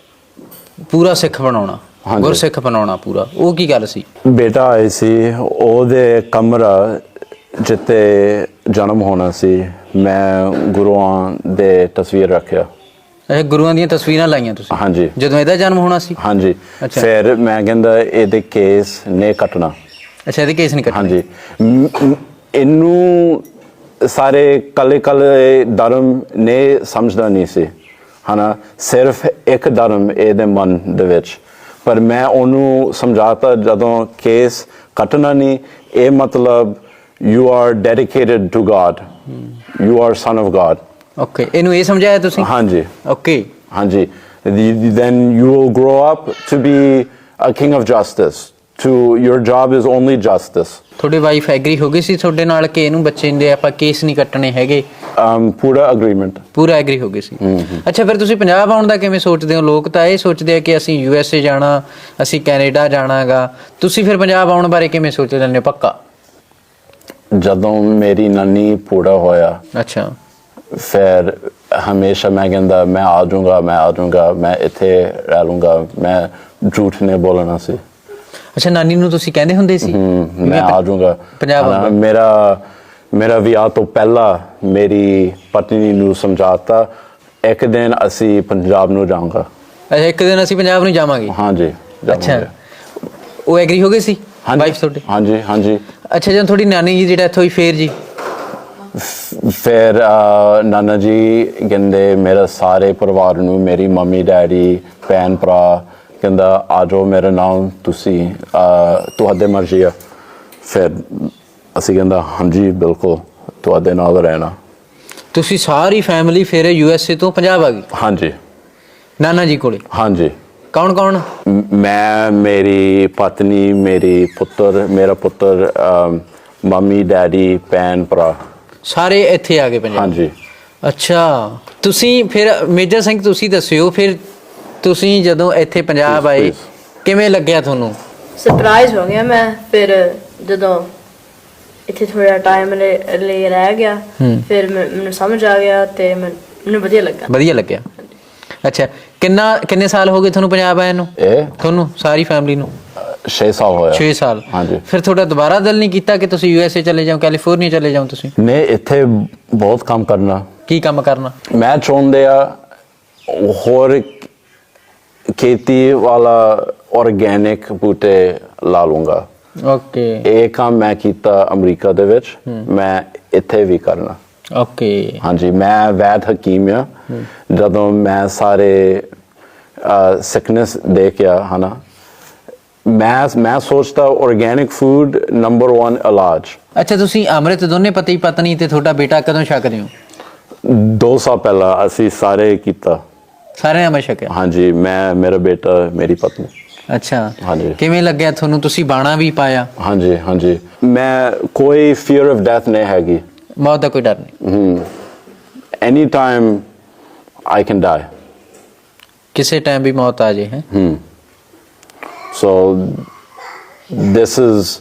ਪੂਰਾ ਸਿੱਖ ਬਣਾਉਣਾ, ਹਾਂਜੀ। ਗੁਰਸਿੱਖ ਬਣਾਉਣਾ ਪੂਰਾ, ਉਹ ਕੀ ਗੱਲ ਸੀ? ਬੇਟਾ ਆਇਆ ਸੀ, ਉਹਦੇ ਕਮਰਾ ਜਿੱਥੇ ਜਨਮ ਹੋਣਾ ਸੀ, ਮੈਂ ਗੁਰੂਆਂ ਦੇ ਤਸਵੀਰ ਰੱਖਿਆ। ਇਹ ਗੁਰੂਆਂ ਦੀਆਂ ਤਸਵੀਰਾਂ ਲਾਈਆਂ ਤੁਸੀਂ ਹਾਂਜੀ ਜਦੋਂ ਇਹਦਾ ਜਨਮ ਹੋਣਾ ਸੀ? ਹਾਂਜੀ। ਅੱਛਾ। ਫਿਰ ਮੈਂ ਕਹਿੰਦਾ ਇਹਦੇ ਕੇਸ ਨੇ ਕੱਟਣਾ। ਅੱਛਾ, ਇਹਦੇ ਕੇਸ ਨਹੀਂ ਕੱਟਣੇ? ਹਾਂਜੀ। ਮ- ਮ- ਇਹਨੂੰ ਸਾਰੇ ਕੱਲੇ ਕੱਲੇ ਧਰਮ ਨੇ ਸਮਝਦਾ ਨਹੀਂ ਸੀ, ਹਨਾ, ਸਿਰਫ ਇੱਕ ਧਰਮ ਇਹਦੇ ਮਨ ਦੇ ਵਿੱਚ। ਪਰ ਮੈਂ ਉਹਨੂੰ ਸਮਝਾਤਾ ਜਦੋਂ ਕੇਸ ਕੱਟਣਾ ਨਹੀਂ, ਇਹ ਮਤਲਬ you are dedicated to God, you are son of God. Okay, ਇਹਨੂੰ ਇਹ ਸਮਝਾਇਆ ਤੁਸੀਂ? ਹਾਂਜੀ ਓਕੇ ਹਾਂਜੀ। then you will grow up to be a king of justice, to your job is only justice. ਤੁਹਾਡੀ ਵਾਈਫ ਐਗਰੀ ਹੋ ਗਈ ਸੀ ਤੁਹਾਡੇ ਨਾਲ ਕਿ ਇਹਨੂੰ ਬੱਚੇ ਦੇ ਆਪਾਂ ਕੇਸ ਨਹੀਂ ਕੱਟਣੇ ਹੈਗੇ? um, ਪੂਰਾ agreement। ਪੂਰਾ ਐਗਰੀ ਹੋ ਗਏ ਸੀ। ਅੱਛਾ, ਫਿਰ ਤੁਸੀਂ ਪੰਜਾਬ ਆਉਣ ਦਾ ਕਿਵੇਂ ਸੋਚਦੇ ਹੋ? ਲੋਕ ਤਾਂ ਇਹ ਸੋਚਦੇ ਆ ਕਿ ਅਸੀਂ ਯੂ ਐਸ ਏ ਜਾਣਾ, ਅਸੀਂ ਕੈਨੇਡਾ ਜਾਣਾਗਾ, ਤੁਸੀਂ ਫਿਰ ਪੰਜਾਬ ਆਉਣ ਬਾਰੇ ਕਿਵੇਂ ਸੋਚ ਲੈਂਦੇ ਹੋ ਪੱਕਾ? ਜਦੋਂ ਮੇਰੀ ਨਾਨੀ ਪੂਰਾ ਹੋਇਆ, ਅੱਛਾ, ਫਿਰ ਹਮੇਸ਼ਾ ਮੈਂ ਕਹਿੰਦਾ ਮੈਂ ਆ ਜਾਊਂਗਾ, ਮੈਂ ਆ ਜਾਊਂਗਾ, ਮੈਂ ਇੱਥੇ ਰਹਿ ਲੂੰਗਾ, ਮੈਂ ਝੂਠ ਨਹੀਂ ਬੋਲਣਾ ਸੀ। ਅੱਛਾ, ਨਾਨੀ ਨੂੰ ਤੁਸੀਂ ਕਹਿੰਦੇ ਹੁੰਦੇ ਸੀ ਹਮ, ਵੀ ਮੈਂ ਆ ਜਾਊਂਗਾ ਪੰਜਾਬ ਹਨਾ। ਆਊਂਗਾ? ਮੇਰਾ ਮੇਰਾ ਵਿਆਹ ਤੋਂ ਪਹਿਲਾਂ ਮੇਰੀ ਪਤਨੀ ਨੂੰ ਸਮਝਾਤਾ ਇੱਕ ਦਿਨ ਅਸੀਂ ਪੰਜਾਬ ਨੂੰ ਜਾਊਂਗਾ। ਅੱਛਾ, ਇੱਕ ਦਿਨ ਅਸੀਂ ਪੰਜਾਬ ਨੂੰ ਜਾਵਾਂਗੇ? ਹਾਂਜੀ ਅੱਛਾ, ਜਾਵਾਂਗੇ। ਉਹ ਐਗਰੀ ਹੋ ਗਏ ਸੀ ਹਾਂਜੀ ਵਾਈਫ ਤੁਹਾਡੀ? ਹਾਂਜੀ ਹਾਂਜੀ। ਅੱਛਾ, ਜਦੋਂ ਤੁਹਾਡੀ ਨਾਨੀ ਜੀ ਜਿਹੜਾ ਇੱਥੋਂ ਹੋਈ ਫੇਰ ਜੀ? ਫਿਰ ਅਹ, ਨਾਨਾ ਜੀ ਕਹਿੰਦੇ ਮੇਰੇ ਸਾਰੇ ਪਰਿਵਾਰ ਨੂੰ, ਮੇਰੀ ਮੰਮੀ ਡੈਡੀ ਭੈਣ ਭਰਾ, ਕਹਿੰਦਾ ਆ ਜਾਓ ਮੇਰੇ ਨਾਲ, ਤੁਸੀਂ ਅਹ, ਤੁਹਾਡੇ ਮਰਜ਼ੀ ਆ। ਫਿਰ ਅਸੀਂ ਕਹਿੰਦਾ ਹਾਂਜੀ ਬਿਲਕੁਲ ਤੁਹਾਡੇ ਨਾਲ ਰਹਿਣਾ। ਤੁਸੀਂ ਸਾਰੀ ਫੈਮਿਲੀ ਫਿਰ ਯੂ ਐਸ ਏ ਤੋਂ ਪੰਜਾਬ ਆ ਗਈ ਹਾਂਜੀ ਨਾਨਾ ਜੀ ਕੋਲੇ? ਹਾਂਜੀ। ਕੌਣ ਕੌਣ? ਮ- ਮੈਂ, ਮੇਰੀ ਪਤਨੀ, ਮੇਰੀ ਪੁੱਤਰ, ਮੇਰਾ ਪੁੱਤਰ, ਅਮ, ਮੰਮੀ ਡੈਡੀ ਭੈਣ ਭਰਾ, ਸਾਰੇ ਇੱਥੇ ਆ ਗਏ ਪੰਜਾਬ? ਹਾਂਜੀ। ਅੱਛਾ, ਤੁਸੀਂ ਫਿਰ ਮੇਜਰ ਸਿੰਘ ਤੁਸੀਂ ਦੱਸਿਓ, ਫਿਰ ਤੁਸੀਂ ਜਦੋਂ ਇੱਥੇ ਪੰਜਾਬ ਆਏ Please, ਕਿਵੇਂ ਲੱਗਿਆ ਤੁਹਾਨੂੰ? ਸਰਪ੍ਰਾਈਜ਼ ਹੋ ਗਿਆ ਮੈਂ। ਫਿਰ ਜਦੋਂ ਇੱਥੇ ਥੋੜਾ ਟਾਈਮ ਲਈ ਰਹਿ ਗਿਆ, ਫਿਰ ਮੈਂ- ਮੈਨੂੰ ਸਮਝ ਆ ਗਿਆ ਤੇ ਮੈਂ- ਮੈਨੂੰ ਵਧੀਆ ਲੱਗਾ। ਵਧੀਆ ਲੱਗਿਆ। ਅੱਛਾ, ਕਿੰਨਾ ਕਿੰਨੇ ਸਾਲ ਹੋ ਗਏ ਤੁਹਾਨੂੰ ਪੰਜਾਬ ਆਏ ਨੂੰ? ਇਹ ਤੁਹਾਨੂੰ ਸਾਰੀ ਫੈਮਿਲੀ ਨੂੰ? ਛੇ ਸਾਲ ਹੋਇਆ। ਛੇ ਸਾਲ। ਹਾਂਜੀ। ਫਿਰ ਤੁਹਾਡਾ ਦੁਬਾਰਾ ਦਿਲ ਨਹੀਂ ਕੀਤਾ ਕਿ ਤੁਸੀਂ ਯੂ ਐਸ ਏ ਚਲੇ ਜਾਓ, ਕੈਲੀਫੋਰਨੀਆ ਚਲੇ ਜਾਓ ਤੁਸੀਂ? ਨੇ ਇੱਥੇ ਬਹੁਤ ਕੰਮ ਕਰਨਾ। ਕੀ ਕੰਮ ਕਰਨਾ? ਮੈਂ ਚਾਹੁੰਦੇ ਆ ਹੋਰ ਖੇਤੀ ਵਾਲਾ ਆਰਗੈਨਿਕ ਬੂਟੇ ਲਾ ਲੂੰਗਾ। ਓਕੇ ਇਹ ਕੰਮ ਮੈਂ ਕੀਤਾ ਅਮਰੀਕਾ ਦੇ ਵਿੱਚ, ਮੈਂ ਇੱਥੇ ਵੀ ਕਰਨਾ। ਓਕੇ ਹਾਂਜੀ, ਮੈਂ ਵੈਦ ਹਕੀਮ ਆ। ਜਦੋਂ ਮੈਂ ਸਾਰੇ ਸਿਕਨੈਸ ਦੇਖਿਆ ਹਨਾ, ਮੈਂ ਮੈਂ ਸੋਚਦਾ ਆਰਗੈਨਿਕ ਫੂਡ ਨੰਬਰ ਇੱਕ ਇਲਾਜ। ਅੱਛਾ, ਤੁਸੀਂ ਅੰਮ੍ਰਿਤ ਦੋਨੇ ਪਤੀ ਪਤਨੀ ਤੇ ਤੁਹਾਡਾ ਬੇਟਾ ਕਦੋਂ ਛਕਦੇ ਹੋ? ਦੋ ਸਾਲ ਪਹਿਲਾਂ ਅਸੀਂ ਸਾਰੇ ਕੀਤਾ। ਸਾਰਿਆਂ ਨੇ ਛਕਿਆ? ਹਾਂਜੀ, ਮੈਂ, ਮੇਰਾ ਬੇਟਾ, ਮੇਰੀ ਪਤਨੀ। ਅੱਛਾ, ਹਾਂਜੀ। ਕਿਵੇਂ ਲੱਗਿਆ ਤੁਹਾਨੂੰ? ਤੁਸੀਂ ਬਾਣਾ ਵੀ ਪਾਇਆ? ਹਾਂਜੀ ਹਾਂਜੀ। ਮੈਂ ਕੋਈ ਫੀਅਰ ਆਫ ਡੈਥ ਨਹੀਂ ਹੈਗੀ। ਮੌਤ ਦਾ ਕੋਈ ਡਰ ਨਹੀਂ? Any time I can die. ਕਿਸੇ ਟਾਈਮ ਵੀ ਮੌਤ ਆ ਜੇ? ਹੈ ਸੋ ਦਿਸ ਇਜ਼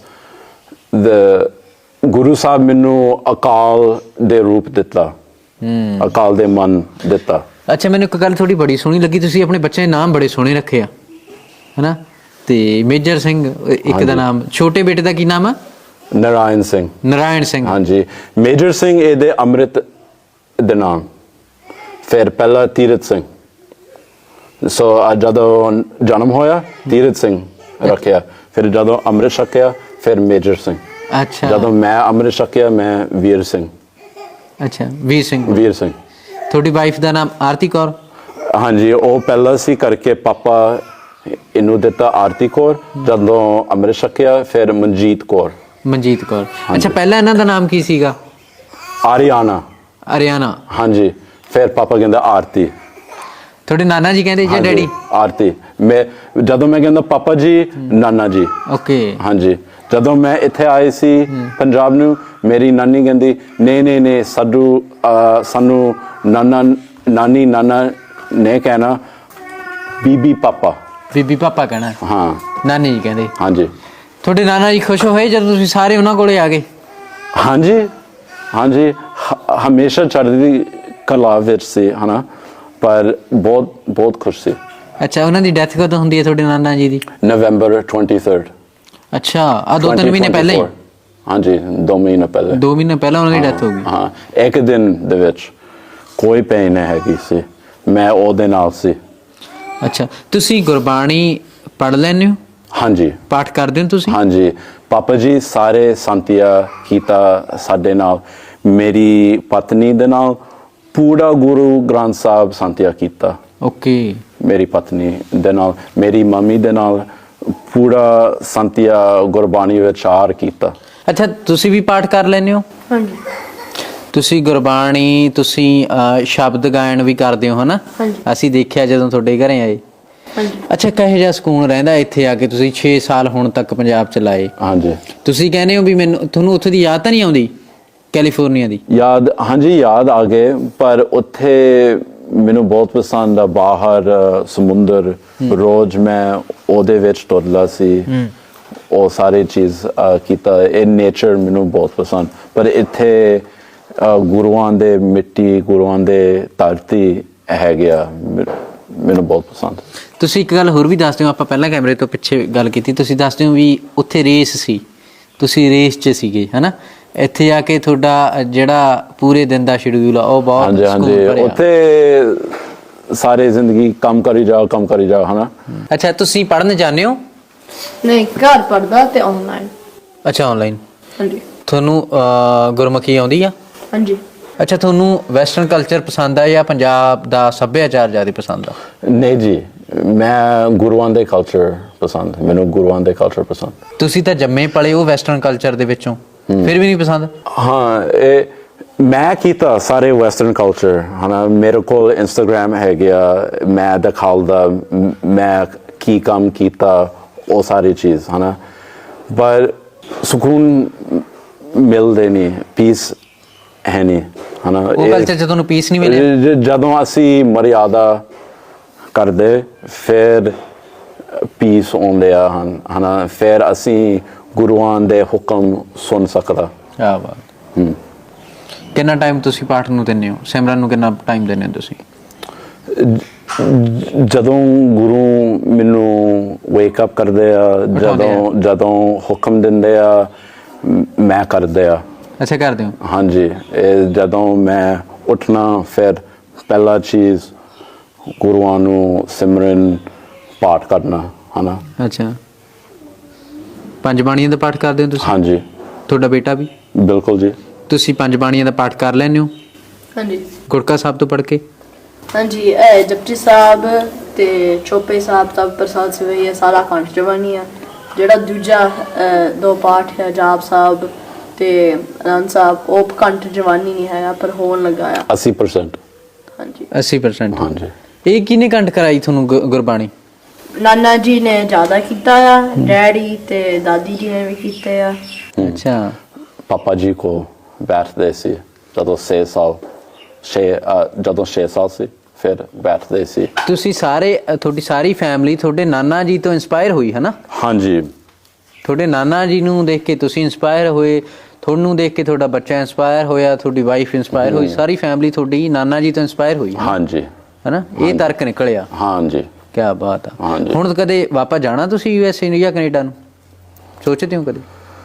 ਦ ਗੁਰੂ ਸਾਹਿਬ ਮੈਨੂੰ ਅਕਾਲ ਦੇ ਰੂਪ ਦਿੱਤਾ, ਅਕਾਲ ਦੇ ਮਨ ਦਿੱਤਾ। ਅੱਛਾ, ਮੈਨੂੰ ਇੱਕ ਗੱਲ ਥੋੜੀ ਬੜੀ ਸੋਹਣੀ ਲੱਗੀ, ਤੁਸੀਂ ਆਪਣੇ ਬੱਚੇ ਦੇ ਨਾਮ ਬੜੇ ਸੋਹਣੇ ਰੱਖੇ ਆ, ਹੈਨਾ? ਤੇ ਮੇਜਰ ਸਿੰਘ ਇੱਕ ਦਾ ਨਾਮ, ਛੋਟੇ ਬੇਟੇ ਦਾ ਕੀ ਨਾਮ ਆ? ਨਾਰਾਇਣ ਸਿੰਘ। ਨਾਰਾਇਣ ਸਿੰਘ। ਹਾਂਜੀ। ਮੇਜਰ ਸਿੰਘ ਇਹਦੇ ਅੰਮ੍ਰਿਤ ਦੇ ਨਾਮ, ਫਿਰ ਪਹਿਲਾ ਤੀਰਥ ਸਿੰਘ। ਸੋ ਜਦੋਂ ਜਨਮ ਹੋਇਆ ਤੀਰਥ ਸਿੰਘ ਰੱਖਿਆ, ਫਿਰ ਜਦੋਂ ਅੰਮ੍ਰਿਤ ਛਕਿਆ ਫਿਰ ਮੇਜਰ ਸਿੰਘ। ਅੱਛਾ ਜਦੋਂ ਮੈਂ ਅੰਮ੍ਰਿਤ ਛਕਿਆ ਮੈਂ ਵੀਰ ਸਿੰਘ ਅੱਛਾ ਵੀਰ ਸਿੰਘ ਵੀਰ ਸਿੰਘ ਤੁਹਾਡੀ ਵਾਈਫ ਦਾ ਨਾਮ ਆਰਤੀ ਕੌਰ ਹਾਂਜੀ ਉਹ ਪਹਿਲਾਂ ਸੀ ਕਰਕੇ ਪਾਪਾ ਇਹਨੂੰ ਦਿੱਤਾ ਆਰਤੀ ਕੌਰ ਜਦੋਂ ਅੰਮ੍ਰਿਤ ਛਕਿਆ ਫਿਰ ਮਨਜੀਤ ਕੌਰ ਮਨਜੀਤ ਕੌਰ ਅੱਛਾ ਪਹਿਲਾਂ ਇਹਨਾਂ ਦਾ ਨਾਮ ਕੀ ਸੀਗਾ ਆਰੀਆਨਾ ਅਰਿਆਨਾ ਹਾਂਜੀ ਫਿਰ ਪਾਪਾ ਕਹਿੰਦਾ ਆਰਤੀ ਤੁਹਾਡੇ ਨਾਨਾ ਜੀ ਕਹਿੰਦੇ ਜਾਂ ਹਾਂਜੀ, ਡੈਡੀ ਆਰਤੀ ਮੈਂ ਜਦੋਂ ਮੈਂ ਕਹਿੰਦਾ ਪਾਪਾ ਜੀ ਨਾਨਾ ਜੀ ਓਕੇ ਹਾਂਜੀ ਜਦੋਂ ਮੈਂ ਇੱਥੇ ਆਏ ਸੀ ਪੰਜਾਬ ਨੂੰ ਮੇਰੀ ਨਾਨੀ ਕਹਿੰਦੀ ਨਹੀਂ ਨਹੀਂ ਨਹੀਂ ਸਾਡੂ ਅਹ, ਸਾਨੂੰ ਨਾਨਾ ਨਾਨੀ ਨਾਨਾ ਨੇ ਕਹਿਣਾ ਬੀਬੀ ਪਾਪਾ ਬੀਬੀ ਪਾਪਾ ਕਹਿਣਾ ਹਾਂ ਨਾਨੀ ਜੀ ਕਹਿੰਦੇ ਹਾਂਜੀ ਤੁਹਾਡੇ ਨਾਨਾ ਜੀ ਖੁਸ਼ ਹੋਏ ਜਦੋਂ ਤੁਸੀਂ ਸਾਰੇ ਉਹਨਾਂ ਕੋਲੇ ਆ ਗਏ ਹਾਂਜੀ ਹਾਂਜੀ ਹ- ਹਮੇਸ਼ਾ ਚੜ੍ਹਦੀ ਕਲਾ ਵਿੱਚ ਸੀ ਹਨਾ ਪਰ ਬਹੁਤ ਬਹੁਤ ਖੁਸ਼ ਸੀ ਅੱਛਾ ਉਹਨਾਂ ਦੀ ਡੈਥ ਕਦੋਂ ਹੁੰਦੀ ਹੈ ਤੁਹਾਡੇ ਨਾਨਾ ਜੀ ਦੀ ਨਵੰਬਰ ਤੀਹ ਅੱਛਾ ਆ ਦੋ ਤਿੰਨ ਮਹੀਨੇ ਪਹਿਲਾਂ ਹੀ ਹਾਂਜੀ ਦੋ ਮਹੀਨੇ ਪਹਿਲੇ ਦੋ ਮਹੀਨੇ ਪਹਿਲਾਂ ਉਹਨਾਂ ਦੀ ਡੈਥ ਹੋ ਗਈ ਹਾਂ ਇੱਕ ਦਿਨ ਦੇ ਵਿੱਚ ਕੋਈ ਪੇਨ ਨਹੀਂ ਹੈਗੀ ਸੀ ਮੈਂ ਉਹਦੇ ਨਾਲ ਸੀ ਅੱਛਾ ਤੁਸੀਂ ਗੁਰਬਾਣੀ ਪੜ੍ਹ ਲੈਂਦੇ ਹੋ ਹਾਂਜੀ ਪਾਠ ਕਰਦੇ ਹੋ ਤੁਸੀਂ ਹਾਂਜੀ ਪਾਪਾ ਜੀ ਸਾਰੇ ਸੰਤਿਆ ਕੀਤਾ ਸਾਡੇ ਨਾਲ ਮੇਰੀ ਪਤਨੀ ਦੇ ਨਾਲ ਪੂਰਾ ਗੁਰੂ ਗ੍ਰੰਥ ਸਾਹਿਬ ਸੰਤਿਆ ਕੀਤਾ ਓਕੇ ਮੇਰੀ ਪਤਨੀ ਦੇ ਨਾਲ ਮੇਰੀ ਮੰਮੀ ਦੇ ਨਾਲ ਪੂਰਾ ਸੰਤਿਆ ਗੁਰਬਾਣੀ ਵਿਚਾਰ ਕੀਤਾ ਅੱਛਾ ਤੁਸੀਂ ਵੀ ਪਾਠ ਕਰ ਲੈਂਦੇ ਹੋ ਹਾਂਜੀ ਤੁਸੀਂ ਗੁਰਬਾਣੀ ਤੁਸੀਂ ਅਹ, ਸ਼ਬਦ ਗਾਇਨ ਵੀ ਕਰਦੇ ਹੋ ਹਨਾ ਹਾਂਜੀ। ਅਸੀਂ ਦੇਖਿਆ ਜਦੋਂ ਤੁਹਾਡੇ ਘਰੇ ਆਏ ਹਾਂਜੀ ਅੱਛਾ ਕਹੇ ਜਿਹਾ ਸਕੂਨ ਰਹਿੰਦਾ ਇੱਥੇ ਆ ਕੇ ਤੁਸੀਂ ਛੇ ਸਾਲ ਹੁਣ ਤੱਕ ਪੰਜਾਬ ਚ ਲਾਏ ਹਾਂਜੀ ਤੁਸੀਂ ਕਹਿੰਦੇ ਹੋ ਵੀ ਮੈਨੂੰ ਤੁਹਾਨੂੰ ਉੱਥੇ ਦੀ ਯਾਦ ਤਾਂ ਨਹੀਂ ਆਉਂਦੀ ਕੈਲੀਫੋਰਨੀਆ ਦੀ ਯਾਦ ਹਾਂਜੀ ਯਾਦ ਆ ਗਏ ਪਰ ਉੱਥੇ ਮੈਨੂੰ ਬਹੁਤ ਪਸੰਦ ਆ ਬਾਹਰ ਅ, ਸਮੁੰਦਰ ਰੋਜ਼ ਮੈਂ ਉਹਦੇ ਵਿੱਚ ਤੁਰਦਾ ਸੀ ਉਹ ਸਾਰੀ ਚੀਜ਼ ਅ, ਕੀਤਾ ਇਹ ਨੇਚਰ ਮੈਨੂੰ ਬਹੁਤ ਪਸੰਦ ਪਰ ਇੱਥੇ ਅ, ਗੁਰੂਆਂ ਦੇ ਮਿੱਟੀ ਗੁਰੂਆਂ ਦੇ ਧਰਤੀ ਹੈ ਗਿਆ ਮੈਨੂੰ ਬਹੁਤ ਪਸੰਦ ਤੁਸੀਂ ਇੱਕ ਗੱਲ ਹੋਰ ਵੀ ਦੱਸਦੇ ਹੋ ਆਪਾਂ ਪਹਿਲਾਂ ਕੈਮਰੇ ਤੋਂ ਪਿੱਛੇ ਗੱਲ ਕੀਤੀ ਤੁਸੀਂ ਦੱਸਦੇ ਹੋ ਵੀ ਉੱਥੇ ਰੇਸ ਸੀ ਤੁਸੀਂ ਰੇਸ 'ਚ ਸੀਗੇ ਹਨਾ ਇੱਥੇ ਆ ਕੇ ਤੁਹਾਡਾ ਜਿਹੜਾ ਪੂਰੇ ਦਿਨ ਦਾ ਸ਼ਡਿਊਲ ਆ ਉਹ ਬਹੁਤ ਹਾਂਜੀ ਸਕੂਨ ਹਾਂਜੀ ਭਰਿਆ। ਉੱਥੇ ਸਾਰੇ ਜ਼ਿੰਦਗੀ ਕੰਮ ਕਰੀ ਜਾਓ ਕੰਮ ਕਰੀ ਜਾਓ ਹਨਾ ਅੱਛਾ ਤੁਸੀਂ ਪੜ੍ਹਨ ਜਾਂਦੇ ਹੋ ਨਹੀਂ ਘਰ ਪੜਦਾ ਤੇ ਆਨਲਾਈਨ ਅੱਛਾ ਆਨਲਾਈਨ ਹਾਂਜੀ ਤੁਹਾਨੂੰ ਅਹ, ਗੁਰਮੁਖੀ ਆਉਂਦੀ ਆ ਹਾਂਜੀ ਅੱਛਾ ਤੁਹਾਨੂੰ ਵੈਸਟਰਨ ਕਲਚਰ ਪਸੰਦ ਆ ਜਾਂ ਪੰਜਾਬ ਦਾ ਸੱਭਿਆਚਾਰ ਜ਼ਿਆਦਾ ਪਸੰਦ ਆ ਨਹੀਂ ਜੀ ਮੈਂ ਗੁਰੂਆਂ ਦੇ ਕਲਚਰ ਪਸੰਦ ਮੈਨੂੰ ਗੁਰੂਆਂ ਦੇ ਕਲਚਰ ਪਸੰਦ ਤੁਸੀਂ ਤਾਂ ਜੰਮੇ ਪਲੇ ਉਹ ਵੈਸਟਰਨ ਕਲਚਰ ਦੇ ਵਿੱਚੋਂ ਫਿਰ ਵੀ ਨਹੀਂ ਪਸੰਦ ਹਾਂ ਇਹ ਮੈਂ ਕੀਤਾ ਸਾਰੇ ਵੈਸਟਰਨ ਕਲਚਰ ਹਨਾ ਮੇਰੇ ਕੋਲ ਇੰਸਟਾਗ੍ਰam ਹੈ ਗਿਆ ਮੈਂ ਦਿਖਾਉਂਦਾ ਮ- ਮੈਂ ਕੀ ਕੰਮ ਕੀਤਾ ਉਹ ਸਾਰੀ ਚੀਜ਼ ਹਨਾ ਪਰ ਸਕੂਨ ਮਿਲਦੇ ਨਹੀਂ ਪੀਸ ਹੈ ਨਹੀਂ ਹਨਾ ਉਹ ਇਹ- ਕਲਚਰ 'ਚ ਤੁਹਾਨੂੰ ਪੀਸ ਨਹੀਂ ਮਿਲਿਆ ਜ- ਜਦੋਂ ਅਸੀਂ ਮਰਿਆਦਾ ਕਰਦੇ ਫਿਰ ਪੀਸ ਆਉਂਦੇ ਆ ਹਨ ਹਨਾ ਫਿਰ ਅਸੀਂ ਗੁਰੂਆਂ ਦੇ ਹੁਕਮ ਸੁਣ ਸਕਦਾ ਕਿਆ ਬਾਤ ਕਿੰਨਾ ਟਾਈਮ ਤੁਸੀਂ ਪਾਠ ਨੂੰ ਦਿੰਦੇ ਹੋ ਸਿਮਰਨ ਨੂੰ ਕਿੰਨਾ ਟਾਈਮ ਦਿੰਦੇ ਹੋ ਤੁਸੀਂ ਜਦੋਂ ਗੁਰੂ ਮੈਨੂੰ ਵੇਕ ਅਪ ਕਰਦੇ ਆ ਜਦੋਂ ਜਦੋਂ ਹੁਕਮ ਦਿੰਦੇ ਆ ਮ- ਮੈਂ ਕਰਦੇ ਆ ਅੱਛਾ ਕਰਦੇ ਹੋ ਹਾਂਜੀ ਇਹ ਜਦੋਂ ਮੈਂ ਉੱਠਣਾ ਫਿਰ ਪਹਿਲਾ ਚੀਜ਼ ਗੁਰੂਆਂ ਨੂੰ ਸਿਮਰਨ ਪਾਠ ਕਰਨਾ ਹਨਾ ਅੱਛਾ ਪੰਜ ਬਾਣੀਆਂ ਦਾ ਪਾਠ ਕਰਦੇ ਹੋ ਤੁਸੀਂ ਹਾਂਜੀ ਤੁਹਾਡਾ ਬੇਟਾ ਵੀ ਬਿਲਕੁਲ ਜੀ ਤੁਸੀਂ ਪੰਜ ਬਾਣੀਆਂ ਦਾ ਪਾਠ ਕਰ ਲੈਂਦੇ ਹੋ ਹਾਂਜੀ ਗੁਰਕਾ ਸਾਹਿਬ ਤੋਂ ਪੜ੍ਹ ਕੇ ਹਾਂਜੀ ਇਹ ਜਪਜੀ ਸਾਹਿਬ ਤੇ ਚੋਪੇ ਸਾਹਿਬ ਦਾ ਪ੍ਰਸਾਦ ਸਵੇਈ ਹੈ ਸਾਰਾ ਕੰਠ ਜਵਾਨੀ ਆ ਜਿਹੜਾ ਦੂਜਾ ਅਹ, ਦੋ ਪਾਠ ਹੈ ਜਾਪ ਸਾਹਿਬ ਤੇ ਅਨੰਦ ਸਾਹਿਬ ਉਹ ਕੰਠ ਜਵਾਨੀ ਨਹੀਂ ਹੈਗਾ ਪਰ ਹੋਣ ਲੱਗਾ ਆ ਅੱਸੀ ਪਰਸੈਂਟ ਹਾਂਜੀ ਅੱਸੀ ਪਰਸੈਂਟ ਹਾਂਜੀ ਇਹ ਕਿਹਨੇ ਕੰਠ ਕਰਾਈ ਤੁਹਾਨੂੰ ਗੁ- ਗੁਰਬਾਣੀ ਨਾਨਾ ਜੀ ਨੇ ਜ਼ਿਆਦਾ ਕੀਤਾ ਆ ਡੈਡੀ ਤੇ ਦਾਦੀ ਜੀ ਨੇ ਵੀ ਕੀਤੇ ਆ ਅੱਛਾ ਪਾਪਾ ਜੀ ਕੋ ਬੈਠਦੇ ਸੀ ਜਦੋਂ ਛੇ ਸਾਲ ਛੇ ਅ, ਜਦੋਂ ਛੇ ਸਾਲ ਸੀ ਫਿਰ ਬੈਠਦੇ ਸੀ ਤੁਸੀਂ ਸਾਰੇ ਅ, ਤੁਹਾਡੀ ਸਾਰੀ ਫੈਮਿਲੀ ਤੁਹਾਡੇ ਨਾਨਾ ਜੀ ਤੋਂ ਇਨਸਪਾਇਰ ਹੋਈ ਹੈ ਨਾ ਹਾਂਜੀ ਤੁਹਾਡੇ ਨਾਨਾ ਜੀ ਨੂੰ ਦੇਖ ਕੇ ਤੁਸੀਂ ਇਨਸਪਾਇਰ ਹੋਏ ਤੁਹਾਨੂੰ ਦੇਖ ਕੇ ਤੁਹਾਡਾ ਬੱਚਾ ਇਨਸਪਾਇਰ ਹੋਇਆ ਤੁਹਾਡੀ ਵਾਈਫ ਇਨਸਪਾਇਰ ਹੋਈ ਸਾਰੀ ਫੈਮਿਲੀ ਤੁਹਾਡੀ ਨਾਨਾ ਜੀ ਤੋਂ ਇਨਸਪਾਇਰ ਹੋਈ ਹੈ ਹਾਂਜੀ ਨਾ ਇਹ ਤਰਕ ਨਿਕਲਿਆ ਹਾਂਜੀ ਕੀ ਬਾਤ ਆ ਹਾਂਜੀ। ਹੁਣ ਕਦੇ ਵਾਪਸ ਜਾਣਾ ਤੁਸੀਂ ਯੂ ਐਸ ਏ ਜਾਂ ਕੈਨੇਡਾ ਨੂੰ ਸੋਚਦੇ ਹੋ ਕਦੇ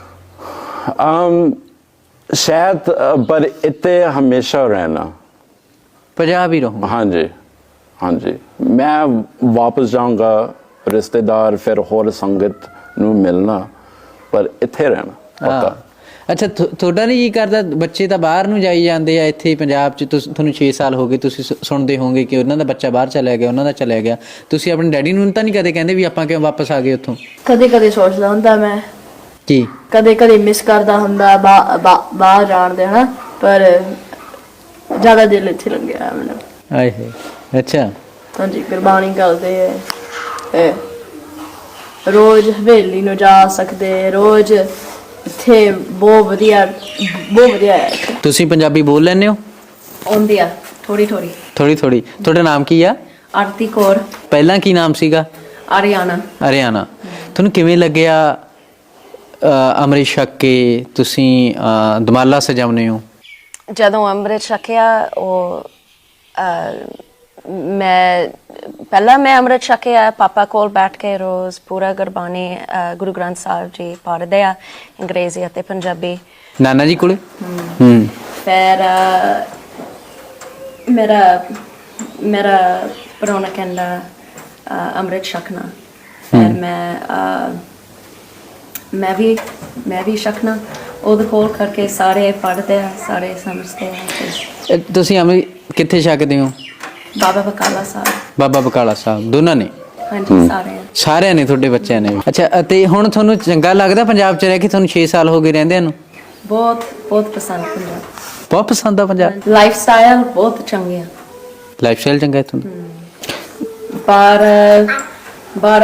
ਅਮ ਸ਼ਾਇਦ ਅ, ਪਰ ਇੱਥੇ ਹਮੇਸ਼ਾ ਰਹਿਣਾ ਪੰਜਾਬ ਹੀ ਰਹੂੰਗਾ ਹਾਂਜੀ ਹਾਂਜੀ ਮੈਂ ਵਾਪਸ ਜਾਊਂਗਾ ਰਿਸ਼ਤੇਦਾਰ ਫਿਰ ਹੋਰ ਸੰਗਤ ਨੂੰ ਮਿਲਣਾ ਪਰ ਇੱਥੇ ਰਹਿਣਾ ਪੱਕਾ ਅੱਛਾ ਤੁ- ਤੁਹਾਡਾ ਨਹੀਂ ਜੀ ਕਰਦਾ, ਬੱਚੇ ਤਾਂ ਬਾਹਰ ਨੂੰ ਜਾਈ ਜਾਂਦੇ ਆ, ਇੱਥੇ ਪੰਜਾਬ 'ਚ ਤੁਸ- ਤੁਹਾਨੂੰ ਛੇ ਸਾਲ ਹੋ ਗਏ, ਤੁਸੀਂ ਸੁ- ਸੁਣਦੇ ਹੋਵੋਗੇ ਕਿ ਉਹਨਾਂ ਦਾ ਬੱਚਾ ਬਾਹਰ ਚਲਾ ਗਿਆ, ਉਹਨਾਂ ਦਾ ਚਲਾ ਗਿਆ, ਤੁਸੀਂ ਆਪਣੇ ਡੈਡੀ ਨੂੰ ਤਾਂ ਨਹੀਂ ਕਦੇ ਕਹਿੰਦੇ ਵੀ ਆਪਾਂ ਕਿਉਂ ਵਾਪਸ ਆ ਗਏ ਉੱਥੋਂ? ਕਦੇ ਕਦੇ ਸੋਚਦਾ ਹੁੰਦਾ ਮੈਂ, ਕੀ ਕਦੇ ਕਦੇ ਮਿਸ ਕਰਦਾ ਹੁੰਦਾ ਬਾ- ਬਾ- ਬਾਹਰ ਜਾਣ ਦੇ ਹਨਾ, ਪਰ ਜ਼ਿਆਦਾ ਦਿਲ ਇੱਥੇ ਲੱਗਿਆ ਮੈਨੂੰ। ਆਏ ਹੈ ਅੱਛਾ ਹਾਂਜੀ, ਕੁਰਬਾਨੀ ਕਰਦੇ ਹੈ, ਇਹ ਰੋਜ਼ ਹਵੇਲੀ ਨੂੰ ਜਾ ਸਕਦੇ, ਰੋਜ਼ ਇੱਥੇ ਬਹੁਤ ਵਧੀਆ ਬਹੁਤ ਵਧੀਆ ਹੈ। ਤੁਸੀਂ ਪੰਜਾਬੀ ਬੋਲ ਲੈਂਦੇ ਹੋ? ਆਉਂਦੀ ਆ ਥੋੜੀ ਥੋੜੀ। ਥੋੜੀ ਥੋੜੀ। ਤੁਹਾਡਾ ਨਾਮ ਕੀ ਆ? ਆਰਤੀ ਕੌਰ, ਪਹਿਲਾਂ ਕੀ ਨਾਮ ਸੀਗਾ? ਆਰੀਆਨਾ। ਹਰਿਆਣਾ। ਤੁਹਾਨੂੰ ਕਿਵੇਂ ਲੱਗਿਆ ਅ, ਅੰਮ੍ਰਿਤ ਛਕ ਕੇ ਤੁਸੀਂ ਅ, ਦਮਾਲਾ ਸਜਾਉਂਦੇ ਹੋ? ਜਦੋਂ ਅੰਮ੍ਰਿਤ ਛਕਿਆ ਉਹ ਅਹ, ਮੈਂ ਪਹਿਲਾਂ ਮੈਂ ਅੰਮ੍ਰਿਤ ਛਕਿਆ ਪਾਪਾ ਕੋਲ ਬੈਠ ਕੇ ਰੋਜ਼ ਪੂਰਾ ਗੁਰਬਾਣੀ ਅਹ, ਗੁਰੂ ਗ੍ਰੰਥ ਸਾਹਿਬ ਜੀ ਪੜ੍ਹਦੇ ਆ, ਅੰਗਰੇਜ਼ੀ ਅਤੇ ਪੰਜਾਬੀ। ਨਾਨਾ ਜੀ ਕੋਲੇ? ਹੂੰ। ਫਿਰ ਅਹ, ਮੇਰਾ ਮੇਰਾ ਪ੍ਰਾਹੁਣਾ ਕਹਿੰਦਾ ਅਹ, ਅੰਮ੍ਰਿਤ ਛਕਣਾ। ਫਿਰ ਮੈਂ ਅਹ, ਮੈਂ ਵੀ ਮੈਂ ਵੀ ਛਕਣਾ। ਉਹਦੇ ਕੋਲ ਕਰਕੇ ਸਾਰੇ ਪੜ੍ਹਦੇ ਆ, ਸਾਰੇ ਸਮਝਦੇ ਆ ਤੇ ਅ, ਤੁਸੀਂ ਅੰਮ੍ਰਿਤ ਕਿੱਥੇ ਛਕਦੇ ਹੋ? ਬਾਬਾ ਬਕਾਲਾ ਸਾਹਿਬ। ਬਾਬਾ ਬਕਾਲਾ ਸਾਹਿਬ ਦੋਨਾਂ ਨੇ? ਹਾਂਜੀ ਸਾਰੇ। ਸਾਰਿਆਂ ਨੇ, ਤੁਹਾਡੇ ਬੱਚਿਆਂ ਨੇ? ਅੱਛਾ, ਅਤੇ ਹੁਣ ਤੁਹਾਨੂੰ ਚੰਗਾ ਲੱਗਦਾ ਪੰਜਾਬ 'ਚ ਰਹਿ ਕੇ? ਤੁਹਾਨੂੰ ਛੇ ਸਾਲ ਹੋ ਗਏ ਰਹਿੰਦਿਆਂ ਨੂੰ? ਬਹੁਤ ਬਹੁਤ ਪਸੰਦ ਪੰਜਾਬ। ਬਹੁਤ ਪਸੰਦ ਆ ਪੰਜਾਬ? ਲਾਈਫ ਸਟਾਈਲ ਬਹੁਤ ਚੰਗੀ ਆ, ਲਾਈਫ ਸਟਾਈਲ ਚੰਗਾ ਇੱਥੋਂ ਦਾ? ਪਰ ਪਰ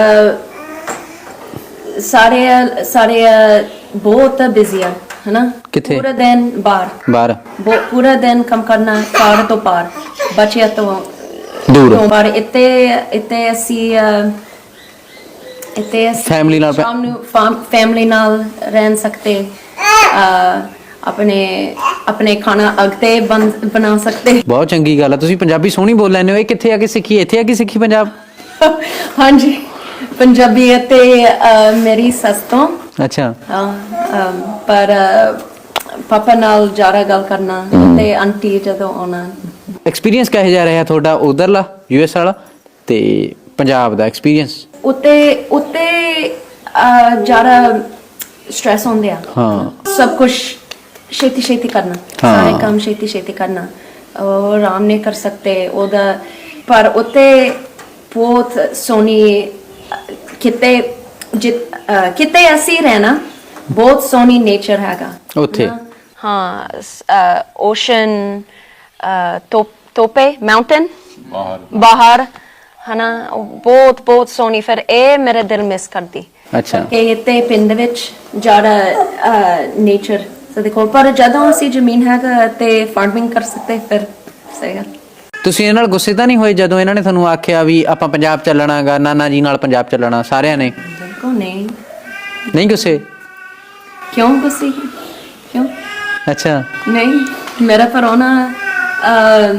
ਸਾਰੇ ਸਾਰੇ ਬਹੁਤ ਬਿਜ਼ੀ ਆ ਹਨਾ। ਕਿੱਥੇ? ਪੂਰਾ ਦਿਨ ਬਾਹਰ ਬਾਹਰ ਬਹੁ- ਪੂਰਾ ਦਿਨ ਕੰਮ ਕਰਨਾ, ਘਰ ਤੋਂ ਪਾਰ, ਬੱਚਿਆਂ ਤੋਂ ਦੂਰ। ਤੋਂ ਬਾਹਰ। ਇੱਥੇ ਇੱਥੇ ਅਸੀਂ ਅਹ, ਇੱਥੇ ਅਸੀਂ Family ਨਾਲ ਪੈ- ਸ਼ਾਮ ਨੂੰ ਫੈਮਿਲੀ ਨਾਲ ਰਹਿ ਸਕਦੇ, ਅਹ, ਆਪਣੇ ਆਪਣੇ ਖਾਣਾ ਅਗਤੇ ਬਣ ਬਣਾ ਸਕਦੇ। ਬਹੁਤ ਚੰਗੀ ਗੱਲ ਆ। ਤੁਸੀਂ ਪੰਜਾਬੀ ਸੋਹਣੀ ਬੋਲ ਲੈਂਦੇ ਹੋ। ਇਹ ਕਿੱਥੇ ਆ ਕੇ ਸਿੱਖੀ? ਇੱਥੇ ਆ ਕੇ ਸਿੱਖੀ ਪੰਜਾਬ? ਹਾਂਜੀ, ਪੰਜਾਬੀ ਅਤੇ ਅਹ, ਮੇਰੀ ਸੱਸ ਤੋਂ। ਅੱਛਾ। ਹਾਂ, ਅਮ, ਪਰ ਅਹ, ਪਾਪਾ ਨਾਲ ਜ਼ਿਆਦਾ ਗੱਲ ਕਰਨਾ ਤੇ ਆਂਟੀ ਜਦੋਂ ਆਉਣਾ। ਐਕਸਪੀਰੀਅੰਸ ਕਿਹੋ ਜਿਹਾ ਰਿਹਾ ਤੁਹਾਡਾ ਉਧਰਲਾ ਯੂ ਐਸ ਵਾਲਾ ਤੇ ਪੰਜਾਬ ਦਾ ਐਕਸਪੀਰੀਅੰਸ? ਉੱਤੇ ਉੱਤੇ ਅਹ, ਜ਼ਿਆਦਾ ਸਟ੍ਰੈਸ ਹੁੰਦੇ ਆ। ਹਾਂ। ਸਭ ਕੁਝ ਛੇਤੀ ਛੇਤੀ ਕਰਨਾ, ਹਾਂ। ਸਾਰੇ ਕੰਮ ਛੇਤੀ ਛੇਤੀ ਕਰਨਾ, ਉਹ ਆਰਾਮ ਨਹੀਂ ਕਰ ਸਕਦੇ ਉਹਦਾ। ਪਰ ਉੱਤੇ ਬਹੁਤ ਸੋਹਣੀ ਅਹ, ਕਿਤੇ ਜਿ- ਅਹ, ਕਿਤੇ ਅਸੀਂ ਰਹਿਣਾ, ਬਹੁਤ ਸੋਹਣੀ ਨੇਚਰ ਹੈਗਾ ਉੱਥੇ? ਨਾ? ਹਾਂ, ਓਸ਼ਨ, ਤੋਪੇ ਮਾਊਂਟੇਨ ਬਾਹਰ ਹਨਾ, ਉਹ ਬਹੁਤ ਬਹੁਤ ਸੋਹਣੀ। ਫਿਰ ਇਹ ਮੇਰੇ ਦਿਲ ਮਿਸ ਕਰਦੀ ਅੱਛਾ। ਕਿ ਇੱਥੇ ਪਿੰਡ ਵਿੱਚ ਜ਼ਿਆਦਾ ਨੇਚਰ ਸਾਡੇ ਕੋਲ, ਪਰ ਜਦੋਂ ਅਸੀਂ ਜ਼ਮੀਨ ਹੈਗਾ ਤੇ ਫਾਰਮਿੰਗ ਕਰ ਸਕਦੇ ਫਿਰ ਸਹੀ ਗੱਲ। ਤੁਸੀਂ ਇਹਨਾਂ ਨਾਲ ਗੁੱਸੇ ਤਾਂ ਨਹੀਂ ਹੋਏ ਜਦੋਂ ਇਹਨਾਂ ਨੇ ਤੁਹਾਨੂੰ ਆਖਿਆ ਵੀ ਆਪਾਂ ਪੰਜਾਬ ਚੱਲਣਾਗਾ, ਨਾਨਾ ਜੀ ਨਾਲ ਪੰਜਾਬ ਚੱਲਣਾ ਸਾਰਿਆਂ ਨੇ? ਬਿਲਕੁਲ ਨਹੀਂ। ਨਹੀਂ ਗੁੱਸੇ? ਕਿਉਂ ਗੁੱਸੇ? ਕਿਉਂ ਅੱਛਾ। ਨਹੀਂ, ਮੇਰਾ ਪ੍ਰਾਹੁਣਾ ਅਹ,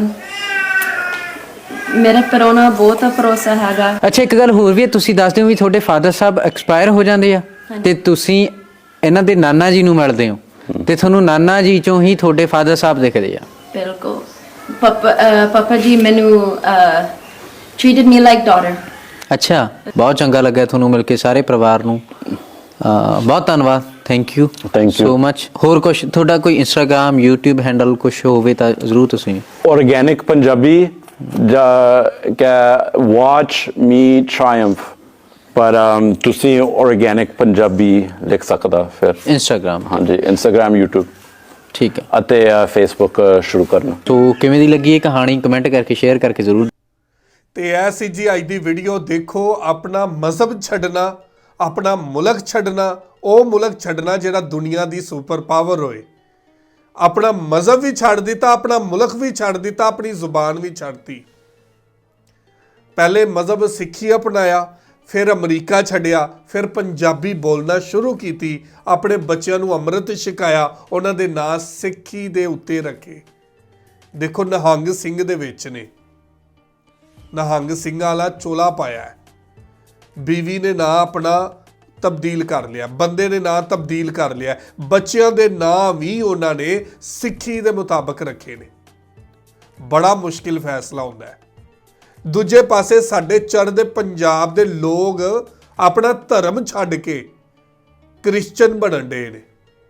ਮੇਰਾ ਪ੍ਰਾਹੁਣਾ ਬਹੁਤ ਭਰੋਸਾ ਹੈਗਾ। ਅੱਛਾ, ਇੱਕ ਗੱਲ ਹੋਰ ਵੀ ਹੈ, ਤੁਸੀਂ ਦੱਸਦੇ ਹੋ ਵੀ ਤੁਹਾਡੇ ਫਾਦਰ ਸਾਹਿਬ ਐਕਸਪਾਇਰ ਹੋ ਜਾਂਦੇ ਆ ਤੇ ਤੁਸੀਂ ਇਹਨਾਂ ਦੇ ਨਾਨਾ ਜੀ ਨੂੰ ਮਿਲਦੇ ਹੋ ਤੇ ਤੁਹਾਨੂੰ ਨਾਨਾ ਜੀ ਚੋਂ ਹੀ ਤੁਹਾਡੇ ਫਾਦਰ ਸਾਹਿਬ ਦਿਖਦੇ ਆ? ਬਿਲਕੁਲ। ਪਾਪਾ ਅਹ, ਪਾਪਾ ਜੀ ਮੈਨੂੰ ਟ੍ਰੀਟਡ ਮੀ ਲਾਈਕ ਡਾਟਰ। ਅੱਛਾ, ਬਹੁਤ ਚੰਗਾ ਲੱਗਿਆ ਤੁਹਾਨੂੰ ਮਿਲ ਕੇ ਸਾਰੇ ਪਰਿਵਾਰ ਨੂੰ। ਅਹ, ਬਹੁਤ ਧੰਨਵਾਦ। Thank you Thank you. So much. ਹੋਰ ਕੁਝ ਤੁਹਾਡਾ ਕੋਈ ਇੰਸਟਾਗ੍ਰਾਮ ਯੂਟਿਊਬ ਹੈਂਡਲ ਕੁਝ ਹੋਵੇ ਤਾਂ ਜ਼ਰੂਰ ਤੁਸੀਂ? ਆਰਗੈਨਿਕ ਪੰਜਾਬੀ ਜਾਂ ਕਿ ਵਾਚ ਮੀ ਟ੍ਰਾਇੰਫ, ਪਰ um, ਤੁਸੀਂ ਆਰਗੈਨਿਕ ਪੰਜਾਬੀ ਲਿਖ ਸਕਦਾ ਫਿਰ। ਇੰਸਟਾਗ੍ਰਾਮ? ਹਾਂਜੀ, ਇੰਸਟਾਗ੍ਰਾਮ, ਯੂਟਿਊਬ ਠੀਕ ਹੈ। ਅਤੇ ਫੇਸਬੁੱਕ ਸ਼ੁਰੂ ਕਰਨਾ। ਤੋ ਕਿਵੇਂ ਦੀ ਲੱਗੀ ਇਹ ਕਹਾਣੀ? ਕਮੈਂਟ ਕਰਕੇ ਸ਼ੇਅਰ ਕਰਕੇ ਜ਼ਰੂਰ। ਤੇ ਇਹ ਸੀ ਜੀ ਅੱਜ ਦੀ ਵੀਡੀਓ। ਦੇਖੋ, ਆਪਣਾ ਮਜ਼ਹਬ ਛੱਡਣਾ, ਆਪਣਾ ਮੁਲਕ ਛੱਡਣਾ, ਉਹ ਮੁਲਕ ਛੱਡਣਾ ਜਿਹੜਾ ਦੁਨੀਆ ਦੀ ਸੁਪਰ ਪਾਵਰ ਹੋਏ। ਆਪਣਾ ਮਜ਼ਹਬ ਵੀ ਛੱਡ ਦਿੱਤਾ, ਆਪਣਾ ਮੁਲਕ ਵੀ ਛੱਡ ਦਿੱਤਾ, ਆਪਣੀ ਜ਼ੁਬਾਨ ਵੀ ਛੱਡਤੀ। ਪਹਿਲੇ ਮਜ਼ਹਬ ਸਿੱਖੀ ਅਪਣਾਇਆ, ਫਿਰ ਅਮਰੀਕਾ ਛੱਡਿਆ, ਫਿਰ ਪੰਜਾਬੀ ਬੋਲਣਾ ਸ਼ੁਰੂ ਕੀਤੀ, ਆਪਣੇ ਬੱਚਿਆਂ ਨੂੰ ਅੰਮ੍ਰਿਤ ਛਕਾਇਆ, ਉਹਨਾਂ ਦੇ ਨਾਂ ਸਿੱਖੀ ਦੇ ਉੱਤੇ ਰੱਖੇ। ਦੇਖੋ, ਨਿਹੰਗ ਸਿੰਘ ਦੇ ਵਿੱਚ ਨੇ, ਨਿਹੰਗ ਸਿੰਘਾਂ ਵਾਲਾ ਚੋਲਾ ਪਾਇਆ ਹੈ। ਬੀਵੀ ਨੇ ਨਾਂ ਆਪਣਾ ਤਬਦੀਲ ਕਰ ਲਿਆ, ਬੰਦੇ ਨੇ ਨਾਂ ਤਬਦੀਲ ਕਰ ਲਿਆ, ਬੱਚਿਆਂ ਦੇ ਨਾਂ ਵੀ ਉਹਨਾਂ ਨੇ ਸਿੱਖੀ ਦੇ ਮੁਤਾਬਕ ਰੱਖੇ ਨੇ। ਬੜਾ ਮੁਸ਼ਕਿਲ ਫੈਸਲਾ ਹੁੰਦਾ ਹੈ। ਦੂਜੇ ਪਾਸੇ ਸਾਡੇ ਚੜ੍ਹਦੇ ਪੰਜਾਬ ਦੇ ਲੋਕ ਆਪਣਾ ਧਰਮ ਛੱਡ ਕੇ ਕ੍ਰਿਸਚਨ ਬਣਨ ਡੇ ਨੇ।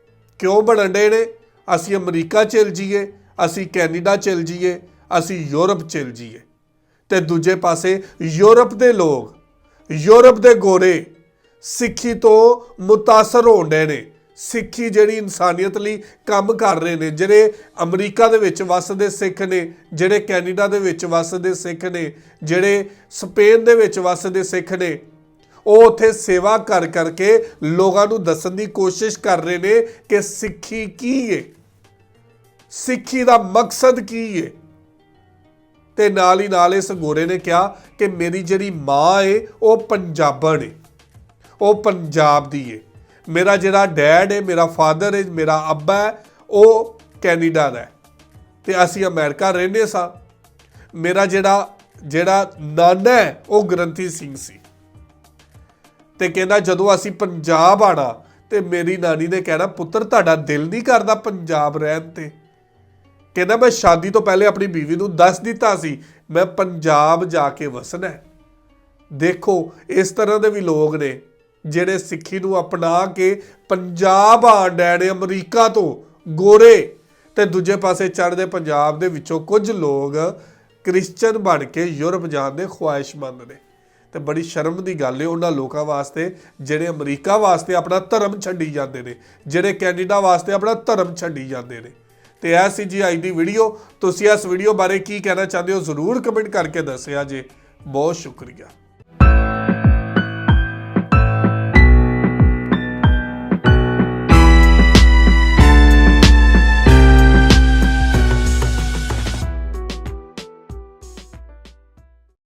ਕਿਉਂ ਬਣਨ ਡੇ ਨੇ? ਅਸੀਂ ਅਮਰੀਕਾ ਚਲ ਜਾਈਏ, ਅਸੀਂ ਕੈਨੇਡਾ ਚਲ ਜਾਈਏ, ਅਸੀਂ ਯੂਰਪ ਚਲ ਜਾਈਏ, ਤੇ ਦੂਜੇ ਪਾਸੇ ਯੂਰਪ ਦੇ ਲੋਕ, ਯੂਰਪ ਦੇ ਗੋਰੇ ਸਿੱਖੀ ਤੋਂ ਮੁਤਾਸਰ ਹੋਣ ਡੇ ਨੇ। ਸਿੱਖੀ ਜਿਹੜੀ ਇਨਸਾਨੀਅਤ ਲਈ ਕੰਮ ਕਰ ਰਹੇ ਨੇ, ਜਿਹੜੇ ਅਮਰੀਕਾ ਦੇ ਵਿੱਚ ਵੱਸਦੇ ਸਿੱਖ ਨੇ, ਜਿਹੜੇ ਕੈਨੇਡਾ ਦੇ ਵਿੱਚ ਵੱਸਦੇ ਸਿੱਖ ਨੇ, ਜਿਹੜੇ ਸਪੇਨ ਦੇ ਵਿੱਚ ਵੱਸਦੇ ਸਿੱਖ ਨੇ, ਉਹ ਉੱਥੇ ਸੇਵਾ ਕਰ ਕਰਕੇ ਲੋਕਾਂ ਨੂੰ ਦੱਸਣ ਦੀ ਕੋਸ਼ਿਸ਼ ਕਰ ਰਹੇ ਨੇ ਕਿ ਸਿੱਖੀ ਕੀ ਹੈ, ਸਿੱਖੀ ਦਾ ਮਕਸਦ ਕੀ ਹੈ। ਤੇ ਨਾਲ ਹੀ ਨਾਲ ਇਸ ਗੋਰੇ ਨੇ ਕਿਹਾ ਕਿ ਮੇਰੀ ਜਿਹੜੀ ਮਾਂ ਹੈ ਉਹ ਪੰਜਾਬਣ ਹੈ, ਉਹ ਪੰਜਾਬ ਦੀ ਹੈ। ਮੇਰਾ ਜਿਹੜਾ ਡੈਡ ਹੈ, ਮੇਰਾ ਫਾਦਰ ਹੈ, ਮੇਰਾ ਅੱਬਾ ਹੈ, ਉਹ ਕੈਨੇਡਾ ਦਾ ਹੈ ਤੇ ਅਸੀਂ ਅਮਰੀਕਾ ਰਹਿੰਦੇ ਸਾਂ। ਮੇਰਾ ਜਿਹੜਾ ਜਿਹੜਾ ਨਾਨਾ ਹੈ ਉਹ ਗ੍ਰੰਥੀ ਸਿੰਘ ਸੀ। ਤੇ ਕਹਿੰਦਾ ਜਦੋਂ ਅਸੀਂ ਪੰਜਾਬ ਆਣਾ ਤੇ ਮੇਰੀ ਨਾਨੀ ਨੇ ਕਹਿਣਾ, ਪੁੱਤਰ ਤੁਹਾਡਾ ਦਿਲ ਨਹੀਂ ਕਰਦਾ ਪੰਜਾਬ ਰਹਿਣ ਤੇ? ਕਹਿੰਦਾ ਮੈਂ ਸ਼ਾਦੀ ਤੋਂ ਪਹਿਲੇ ਆਪਣੀ ਬੀਵੀ ਨੂੰ ਦੱਸ ਦਿੱਤਾ ਸੀ ਮੈਂ ਪੰਜਾਬ ਜਾ ਕੇ ਵਸਣਾ ਹੈ। ਦੇਖੋ ਇਸ ਤਰ੍ਹਾਂ ਦੇ ਵੀ ਲੋਕ ਨੇ ਜਿਹੜੇ ਸਿੱਖੀ ਨੂੰ ਅਪਣਾ ਕੇ ਪੰਜਾਬ ਆਣ ਡੈ ਨੇ ਅਮਰੀਕਾ ਤੋਂ, ਗੋਰੇ। ਤੇ ਦੂਜੇ ਪਾਸੇ ਚੜ੍ਹਦੇ ਪੰਜਾਬ ਦੇ ਵਿੱਚੋਂ ਕੁਝ ਲੋਕ ਕ੍ਰਿਸਚਨ ਬਣ ਕੇ ਯੂਰਪ ਜਾਣ ਦੇ ਖੁਆਇਸ਼ਮੰਦ ਨੇ। ਤੇ ਬੜੀ ਸ਼ਰਮ ਦੀ ਗੱਲ ਹੈ ਉਹਨਾਂ ਲੋਕਾਂ ਵਾਸਤੇ ਜਿਹੜੇ ਅਮਰੀਕਾ ਵਾਸਤੇ ਆਪਣਾ ਧਰਮ ਛੱਡੀ ਜਾਂਦੇ ਨੇ, ਜਿਹੜੇ ਕੈਨੇਡਾ ਵਾਸਤੇ ਆਪਣਾ ਧਰਮ ਛੱਡੀ ਜਾਂਦੇ ਨੇ। ਤੇ ਇਹ ਸੀ ਜੀ ਅੱਜ ਦੀ ਵੀਡੀਓ। ਤੁਸੀਂ ਇਸ ਵੀਡੀਓ ਬਾਰੇ ਕੀ ਕਹਿਣਾ ਚਾਹੁੰਦੇ ਹੋ ਜ਼ਰੂਰ ਕਮੈਂਟ ਕਰਕੇ ਦੱਸਿਆ ਜੇ। ਬਹੁਤ ਸ਼ੁਕਰੀਆ।